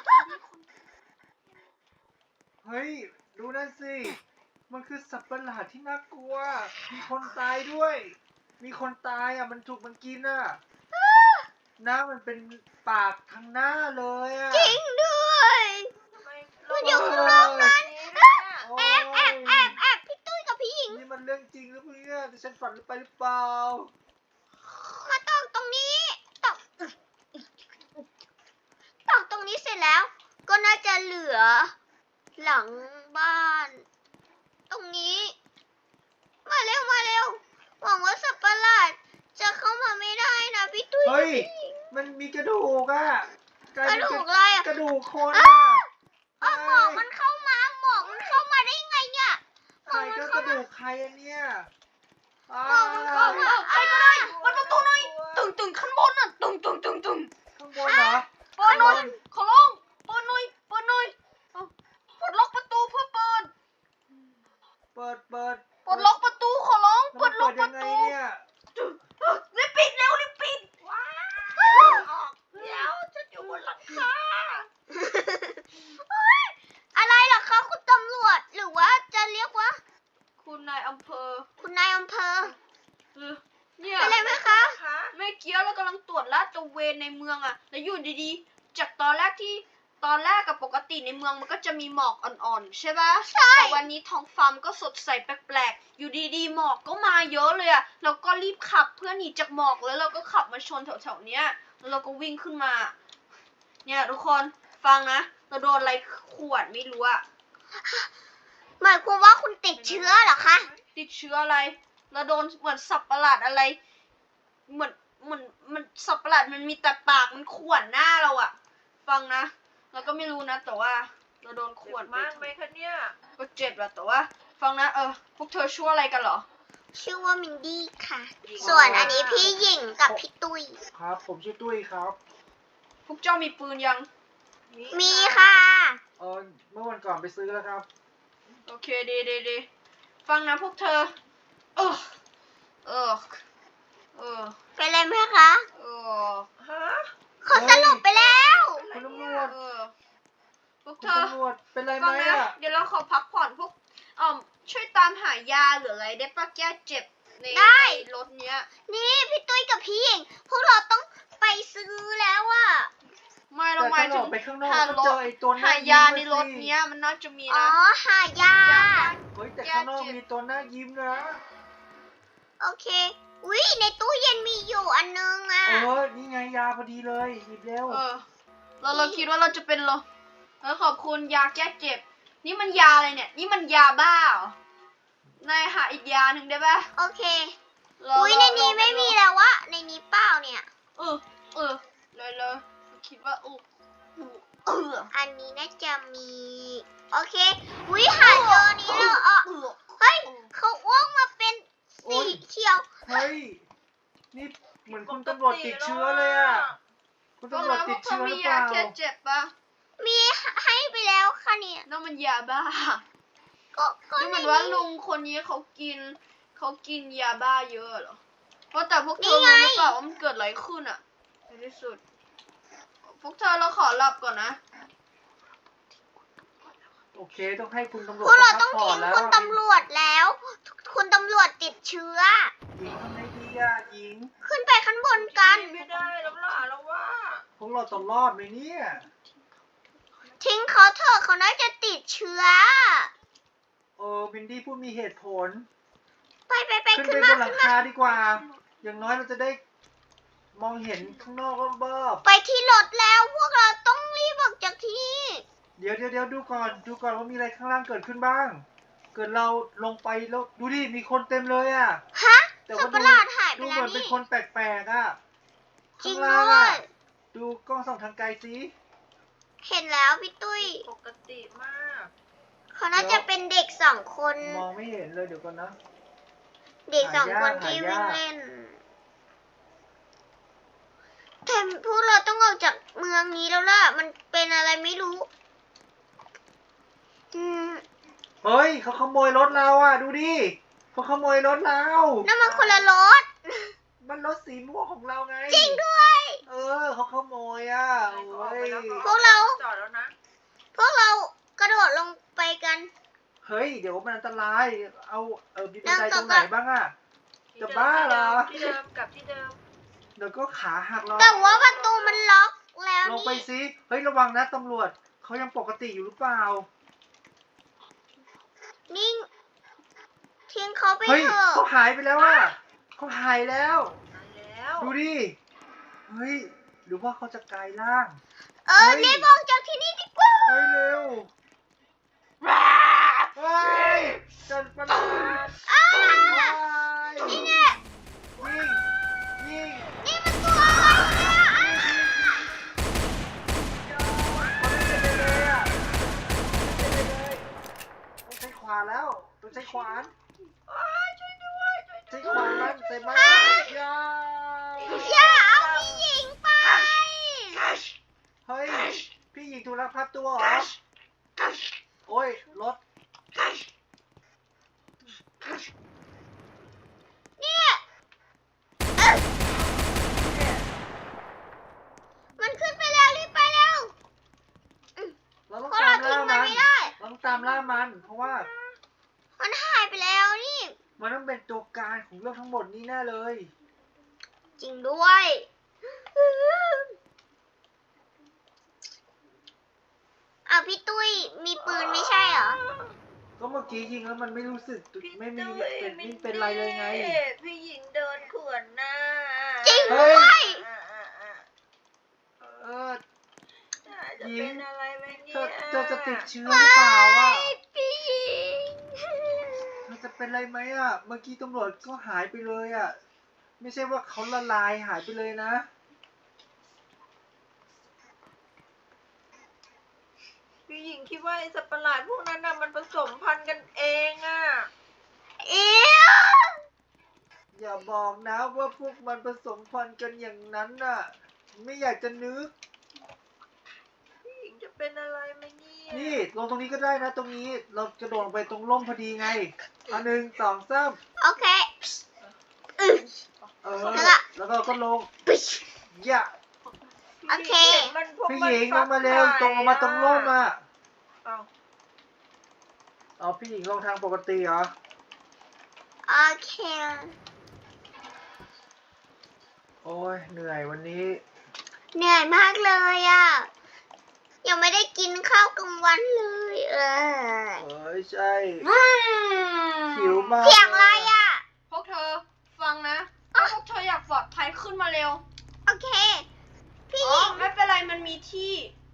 [SPEAKER 3] เฮ้ยดูนั่นสิมันคือสัตว์ประหลาดที่น่ากลัว มีคนตายด้วย มีคนตายอ่ะมันถูกมันกินอ่ะหน้ามันเป็นปากทางหน้าเลยอ่ะ
[SPEAKER 2] จริงด้วย
[SPEAKER 4] ทำไม
[SPEAKER 2] มันอยู่ข้างนอกนั้น
[SPEAKER 3] โอ้
[SPEAKER 2] แอบแอบแอบแอบพี่ตุ้ยกับพี่หญิง
[SPEAKER 3] นี่มันเรื่องจริงหรือเปล่าแต่ฉันฝันไปหรือเปล่า
[SPEAKER 2] มาตอกตรงนี้ ตอกตอกตรงนี้เสร็จแล้ว ก็น่าจะเหลือ หลังบ้าน ตรงนี้ มาเร็วมาเร็ว หวังว่าสัตว์ประหลาดจะเข้ามาไม่ได้นะพี่ตุ้ย
[SPEAKER 3] เฮ้ยมันมีกระดูกอ่ะลาย
[SPEAKER 2] กระ
[SPEAKER 3] เป็น
[SPEAKER 2] ดูกอะไรอ่ะ
[SPEAKER 3] กระดูกคน
[SPEAKER 2] อ้า
[SPEAKER 3] อ่ะ
[SPEAKER 2] เออหมอกมันเข้ามา หมอกมันเข้ามาได้ไงเนี่ย หม
[SPEAKER 3] ใคร
[SPEAKER 2] อกมัน
[SPEAKER 3] ก็ก
[SPEAKER 2] เข้า
[SPEAKER 3] ระ
[SPEAKER 2] มา
[SPEAKER 3] ดูกใครอะเนี่ยอ้า
[SPEAKER 2] หมอกมันเข้ามา
[SPEAKER 1] ใครก็ได้มันประตูหน่อยตึงตึงข้างบนน่ะตึงตึงตึงตึง
[SPEAKER 3] ข้างบนเหรอ
[SPEAKER 1] เปิดหน่อยขอร้องเปิดหน่อยเปิดหน่อยเอาปลดล็อกประตูเพื่อเปิด
[SPEAKER 3] เปิดเปิด
[SPEAKER 1] ปลดล็อกประตูขอร้อง
[SPEAKER 3] แล้ว
[SPEAKER 1] เปิ
[SPEAKER 3] มัน
[SPEAKER 1] ดล็
[SPEAKER 3] เปิ
[SPEAKER 1] อก
[SPEAKER 3] ด
[SPEAKER 1] ป
[SPEAKER 3] ยั
[SPEAKER 1] ระ
[SPEAKER 3] งไง
[SPEAKER 1] ตู
[SPEAKER 3] เนี่ย
[SPEAKER 1] รีบปิดเร็วรีบปิด
[SPEAKER 4] ว้าวออกเดี๋ยวฉันอยู่บนหลังคา
[SPEAKER 2] อะไรเหรอคะคุณตำรวจ หรือว่าจะเรียกว่า
[SPEAKER 1] คุณนายอำเภอ
[SPEAKER 2] คุณนายอำเภอ
[SPEAKER 1] เออเนี่ย
[SPEAKER 2] เป็นไรไหมคะ
[SPEAKER 4] คะ
[SPEAKER 1] เมื่อกี้เรากำลังตรวจลาดตระเวนในเมืองอะแล้วอยู่ดีๆ จากตอนแรกที่ตอนแรกกับปกติในเมืองมันก็จะมีหมอกอ่อนๆใช่ปะ
[SPEAKER 2] ใช่
[SPEAKER 1] แต่วันนี้ท้องฟ้ามันก็สดใสแปลกๆ อยู่ดีๆหมอกก็มาเยอะเลยอะเราก็รีบขับเพื่อหนีจากหมอกแล้วเราก็ขับมาชนแถวๆเนี้ยแล้วเราก็วิ่งขึ้นมา เนี่ยทุกคนฟังนะเราโดนอะไรขวดไม่รู้อะ
[SPEAKER 2] หมายความว่าคุณติดเชื้อเหรอคะ
[SPEAKER 1] ติดเชื้ออะไรเราโดนเหมือนสับประหลาดอะไร เหมือนเหมือนมันสับประหลาดมันมีแต่ปากมันข่วนหน้าเราอะฟังนะเราก็ไม่รู้นะแต่ว่าเราโดนข
[SPEAKER 4] เจ็
[SPEAKER 1] วด
[SPEAKER 4] บมากไหมคะเนี่ย
[SPEAKER 1] ก็เจ็บแหละแต่ว่า ฟังนะเออพวกเธอชั่วอะไรกันเหรอ
[SPEAKER 2] ชื่อว่ามินดี้ค่ะ ส่วนอันนี้พี่หญิงกับพี่ตุ้ย
[SPEAKER 3] ครับ ผมชื่อตุ้ยครับ
[SPEAKER 1] พวกเจ้ามีปืนยัง
[SPEAKER 2] มีค่ะ
[SPEAKER 3] เออเมื่อวันก่อนไปซื้อแล้วครับ
[SPEAKER 1] โอเคดีดีดีฟังนะพวกเธอ เออเออเออ
[SPEAKER 2] เป็นไรไหมคะ
[SPEAKER 1] เออ
[SPEAKER 4] ฮะ
[SPEAKER 2] เขาสลบไปแล้ว
[SPEAKER 3] คุณตำรวจ
[SPEAKER 1] เออพวก
[SPEAKER 3] คุ
[SPEAKER 1] เธ
[SPEAKER 3] ณ
[SPEAKER 1] อ
[SPEAKER 3] ตำรวจเป็นไรไห
[SPEAKER 1] ฟั
[SPEAKER 3] ม
[SPEAKER 1] งนะ
[SPEAKER 3] อ่ะ
[SPEAKER 1] เดี๋ยวเราขอพักผ่อนพวกเอ่อช่วยตามหายาหรืออะไรได้ปะแก้เจ็บใน
[SPEAKER 2] ได้
[SPEAKER 1] ในรถเนี้ย
[SPEAKER 2] นี่พี่ตุ้ยกับพี่หญิง พวกเราต้องไปซื้อแล้วอะ
[SPEAKER 1] ไม่เรา
[SPEAKER 3] แต่
[SPEAKER 1] หมา
[SPEAKER 3] ถ้าย เรา
[SPEAKER 1] ถึ
[SPEAKER 3] อง อกไปข้างนอก
[SPEAKER 1] หา
[SPEAKER 3] ก็
[SPEAKER 1] ร
[SPEAKER 3] เจ
[SPEAKER 1] ถ
[SPEAKER 3] อไอ้ตัวหน้า
[SPEAKER 1] หายาใน
[SPEAKER 3] ยิ้ม
[SPEAKER 1] ร
[SPEAKER 3] อะ
[SPEAKER 1] ถ
[SPEAKER 3] สิ
[SPEAKER 1] เนี้ยมันน่าจะมี
[SPEAKER 2] อ๋อ
[SPEAKER 1] นะ
[SPEAKER 2] หายา
[SPEAKER 3] เฮ้ยแต่ข้างนอกมีตัวหน้ายิ้มนะ
[SPEAKER 2] โอเคอุ้ยในตู้เย็นมีอยู่อันนึงอะ
[SPEAKER 3] เออ นี่ไงยาพอดีเลยหยิบเร็ว
[SPEAKER 1] เออเราเราคิดว่าเราจะเป็นลมเออขอบคุณยาแก้เจ็บ นี่มันยาอะไรเนี่ย นี่มันยาบ้าเหรอนายหาอีกยาหนึ่งได้ปะ
[SPEAKER 2] โอเค
[SPEAKER 1] เรา
[SPEAKER 2] อุ้ยในนี้
[SPEAKER 1] เรา
[SPEAKER 2] ไม่มีแล้ววะในนี้เปล่าเนี่ย
[SPEAKER 1] เออเออเลยเลยคิดว่าอุกเออ
[SPEAKER 2] อันนี้น่าจะมี โอเควิหาเจอนี้แล้วอ่ะเฮ้ยเขาอ้วกมาเป็นสีเขียว
[SPEAKER 3] เฮ้ย นี่เหมือนคุณตำรวจติดเชื้อเลยอ่ะ คุณ
[SPEAKER 1] ตรง
[SPEAKER 3] ตำรวจ
[SPEAKER 1] นั้นพ
[SPEAKER 3] ติ
[SPEAKER 1] ว
[SPEAKER 3] ด
[SPEAKER 1] กเธอ
[SPEAKER 3] เชื้อห
[SPEAKER 1] มี
[SPEAKER 3] รือเป
[SPEAKER 1] ยา
[SPEAKER 3] ล่า
[SPEAKER 1] แค่เจ็บปะ
[SPEAKER 2] มีให้ไปแล้วค่ะเนี่ย
[SPEAKER 1] นั่นมันยาบ้า
[SPEAKER 2] ก็ก็
[SPEAKER 1] ดูเหมือนว่าลุงคนนี้เขากินเขากินยาบ้าเยอะเหรอเพราะแต่พวกเธอรู้หรือเปล่าว่ามันเกิดอะไรขึ้นอะในที่สุด พวกเธอเราขอหลับก่อนนะ
[SPEAKER 3] โอเค ต้องให้คุณตำร
[SPEAKER 2] พ
[SPEAKER 3] วจ
[SPEAKER 2] วกเรา
[SPEAKER 3] พั
[SPEAKER 2] ต้อง
[SPEAKER 3] ผ่อ
[SPEAKER 2] ทิ้
[SPEAKER 3] น
[SPEAKER 2] ง
[SPEAKER 3] แล้ว
[SPEAKER 2] คุณตำรวจแล้ว คุณตำรวจติดเชื้อ
[SPEAKER 3] หญิงทำไงดีอ่ะหญิง
[SPEAKER 2] ขึ้นไปข้างบนกัน
[SPEAKER 4] ไม่ได้แล้วล่ะแล้วว่า
[SPEAKER 3] พวกเราต้องรอดไหมเนี่ย
[SPEAKER 2] ทิ้งเขาเถอะเขาน่าจะติดเชื้อ
[SPEAKER 3] เออวินดี้พูดมีเหตุผล
[SPEAKER 2] ไปไปไป
[SPEAKER 3] ขึ้น
[SPEAKER 2] ขึ้น
[SPEAKER 3] ไป
[SPEAKER 2] มา
[SPEAKER 3] บนหลั
[SPEAKER 2] ขึ้
[SPEAKER 3] ง
[SPEAKER 2] นมา
[SPEAKER 3] คาดีกว่า อย่างน้อยเราจะได้มองเห็นข้างนอกรอบ
[SPEAKER 2] ไปที่รถแล้วพวกเราต้องรีบออกจากที่นี่
[SPEAKER 3] ๆเดี๋ยวเดี๋ยวเดี๋ยวดูก่อน ดูก่อนว่ามีอะไรข้างล่างเกิดขึ้นบ้าง เกิดเราลงไปแล้วดูดิ มีคนเต็มเลยอ่ะ
[SPEAKER 2] ฮะ
[SPEAKER 3] แต่
[SPEAKER 2] สัต
[SPEAKER 3] ว่า
[SPEAKER 2] ว์ป
[SPEAKER 3] ดู
[SPEAKER 2] ระหลาดหายไป
[SPEAKER 3] ดู
[SPEAKER 2] แล้
[SPEAKER 3] เห
[SPEAKER 2] ว
[SPEAKER 3] มือนเป็น
[SPEAKER 2] นี่
[SPEAKER 3] คนแปลกๆอ่ะ
[SPEAKER 2] จริ
[SPEAKER 3] ข้าง ง
[SPEAKER 2] ด้
[SPEAKER 3] ล่าง
[SPEAKER 2] ว
[SPEAKER 3] อ่ะ
[SPEAKER 2] ย
[SPEAKER 3] ดูกล้องส่องทางไกลสิ
[SPEAKER 2] เห็นแล้วพี่ตุ้ย
[SPEAKER 4] ปกติมาก
[SPEAKER 2] เขาน่าจะเป็นเด็กสองคน
[SPEAKER 3] มองไม่เห็นเลยเดี๋ยวก่อนนะ
[SPEAKER 2] เด็กสองคน
[SPEAKER 3] หายาก
[SPEAKER 2] ที่
[SPEAKER 3] หายาก
[SPEAKER 2] วิ่งเล่นแต่พวกเราต้องออกจากเมืองนี้แล้วล่ะ มันเป็นอะไรไม่รู้ อืม
[SPEAKER 3] เฮ้ยเขาขโมยรถเราอ่ะ ดูดิเขาขโมยรถเรา
[SPEAKER 2] นั่นมันคนละรถ
[SPEAKER 3] มันรถสีม่วงของเราไง
[SPEAKER 2] จริงด้วย
[SPEAKER 3] เออเขาขโมยอ่ะ
[SPEAKER 4] ให้
[SPEAKER 3] โอ้
[SPEAKER 4] เขาออกไป
[SPEAKER 3] ย
[SPEAKER 4] แล้ว
[SPEAKER 2] พวกเรา
[SPEAKER 4] จอดแล้วนะ
[SPEAKER 2] พวกเรากระโดดลงไปกัน
[SPEAKER 3] เฮ้ยเดี๋ยวมันอันตราย เอาเออมีบันได
[SPEAKER 2] นั่ง
[SPEAKER 3] ตรงไหน
[SPEAKER 2] กับ
[SPEAKER 3] บ้างอ่ะ
[SPEAKER 4] ที่
[SPEAKER 3] จะ
[SPEAKER 4] ดิม
[SPEAKER 3] บ้าเหรอ
[SPEAKER 4] ที่เดิมกลับที่เดิม
[SPEAKER 3] เดี๋ยวก็ขาหักเรา
[SPEAKER 2] แต่ว่าประตูมันล็อกแล้ว
[SPEAKER 3] ลงไป
[SPEAKER 2] นี่
[SPEAKER 3] สิเฮ้ยระวังนะตำรวจเขายังปกติอยู่หรือเปล่า
[SPEAKER 2] นิ่งทิ้งเขาไป
[SPEAKER 3] เฮ้ย
[SPEAKER 2] เถอะ
[SPEAKER 3] เขาหายไปแล้วอ่ะเขาหายแล้ว
[SPEAKER 4] มาแล้ว
[SPEAKER 3] ดูดิเฮ้ยหรือว่าเขาจะกลายร่าง
[SPEAKER 2] เออ
[SPEAKER 3] เฮ้ย
[SPEAKER 2] รีบออกจากที่นี่ดีกว่า
[SPEAKER 3] เฮ้ยเร็วเฮ้ยจันประหลาด
[SPEAKER 2] อ้า
[SPEAKER 3] เฮ้ย
[SPEAKER 2] นี่
[SPEAKER 3] ยิง
[SPEAKER 2] ไง
[SPEAKER 3] ยิง
[SPEAKER 2] นี่มันตัวอะไรเนี่ยอ้า
[SPEAKER 3] เขาไม่เป็นเลยอ่ะไม่เป็นเลยต้องใช้ขวานแล้วต้องใช้ขวาน
[SPEAKER 4] อ้ายช่วยด้วยช่วย
[SPEAKER 3] ใช้ขวานมันใส่มันยา
[SPEAKER 2] อย่าเอาพี่หญิงไป
[SPEAKER 3] เฮ้ยพี่หญิงถูกลักพาตัวเหรอโอ้ยรถ
[SPEAKER 2] เนี่ยเอ้ยมันขึ้นไปแล้วรีบไปแล้ว
[SPEAKER 3] เราต้อง
[SPEAKER 2] เพราะ
[SPEAKER 3] ตา
[SPEAKER 2] เรา
[SPEAKER 3] มล่า
[SPEAKER 2] ทิ้งมัน
[SPEAKER 3] มัน
[SPEAKER 2] ไม่ได้
[SPEAKER 3] เราต้องตามล่ามัน เพราะว่า
[SPEAKER 2] มันหายไปแล้วนี่
[SPEAKER 3] มันต้องเป็นตัวการของเรื่องทั้งหมดนี้แน่เลย
[SPEAKER 2] จริงด้วยอ้าวพี่ตุ้ยมีปืนไม่ใช่เหรอ
[SPEAKER 3] ก็เมื่อกี้ยิงแล้วมันไม่รู้สึก
[SPEAKER 4] พี่
[SPEAKER 3] ไม่มี
[SPEAKER 4] ตุ้ย
[SPEAKER 3] เป็น
[SPEAKER 4] มิ
[SPEAKER 3] ไม่
[SPEAKER 4] น
[SPEAKER 3] เป็นไรเลยไง
[SPEAKER 4] พี่หญิงเดินขวนหน้า
[SPEAKER 2] จริง
[SPEAKER 3] เฮ้
[SPEAKER 2] ด้วย ย
[SPEAKER 4] อ่าอ่าอ่า
[SPEAKER 3] เออ
[SPEAKER 4] จะเป็นอะไรไหมเนี่
[SPEAKER 3] เธ
[SPEAKER 4] ย
[SPEAKER 3] อเธอจะติดเชื้อหรือเปล่าอ่ะ
[SPEAKER 2] พี่หญิง
[SPEAKER 3] เธอจะเป็นอะไรไหมอ่ะ เมื่อกี้ตำรวจก็หายไปเลยอ่ะ ไม่ใช่ว่าเขาละลายหายไปเลยนะ
[SPEAKER 4] พี่หญิงคิดว่าไอ้สัตว์ประหลาดพวกนั้นน่ะมันผสมพันธุ์กันเองอ่ะ
[SPEAKER 2] เอี๊ย
[SPEAKER 3] อย่าบอกนะว่าพวกมันผสมพันธุ์กันอย่างนั้นน่ะ ไม่อยากจะนึก
[SPEAKER 4] พี่หญิงจะเป็นอะไรไหมเนี่ย
[SPEAKER 3] นี่ลงตรงนี้ก็ได้นะ ตรงนี้เรากระโดดลงไปตรงร่มพอดีไงอันหนึ่งสองสาม
[SPEAKER 2] โอเคอือ
[SPEAKER 3] เออ
[SPEAKER 2] แล้วก็
[SPEAKER 3] แล้วก็ก็ลง
[SPEAKER 2] ปิ๊ช
[SPEAKER 3] อย่า
[SPEAKER 2] โอเค
[SPEAKER 4] มันพวก
[SPEAKER 3] พี่
[SPEAKER 4] มัน
[SPEAKER 3] หญิงล
[SPEAKER 4] ฟั
[SPEAKER 3] งมาเร็วตรงลงมาตรงร่มอ่ะ
[SPEAKER 4] เอ้า
[SPEAKER 3] เอาพี่หญิงลงทางปกติเหรอ
[SPEAKER 2] โอเค
[SPEAKER 3] โอ้ยเหนื่อยวันนี้
[SPEAKER 2] เหนื่อยมากเลยอ่ะ ยังไม่ได้กินข้าวกลางวันเลยเออ
[SPEAKER 3] เอ้ยใช่หิวมาก
[SPEAKER 2] เสียงอะไรอ่ะ
[SPEAKER 1] พวกเธอฟังนะถ้าพวกเธออยากปลอดภัยขึ้นมาเร็ว
[SPEAKER 2] โอเค พี่
[SPEAKER 1] อ๋
[SPEAKER 2] ห
[SPEAKER 1] อ
[SPEAKER 2] ญิง
[SPEAKER 1] ไม่เป็นไรมันมีที่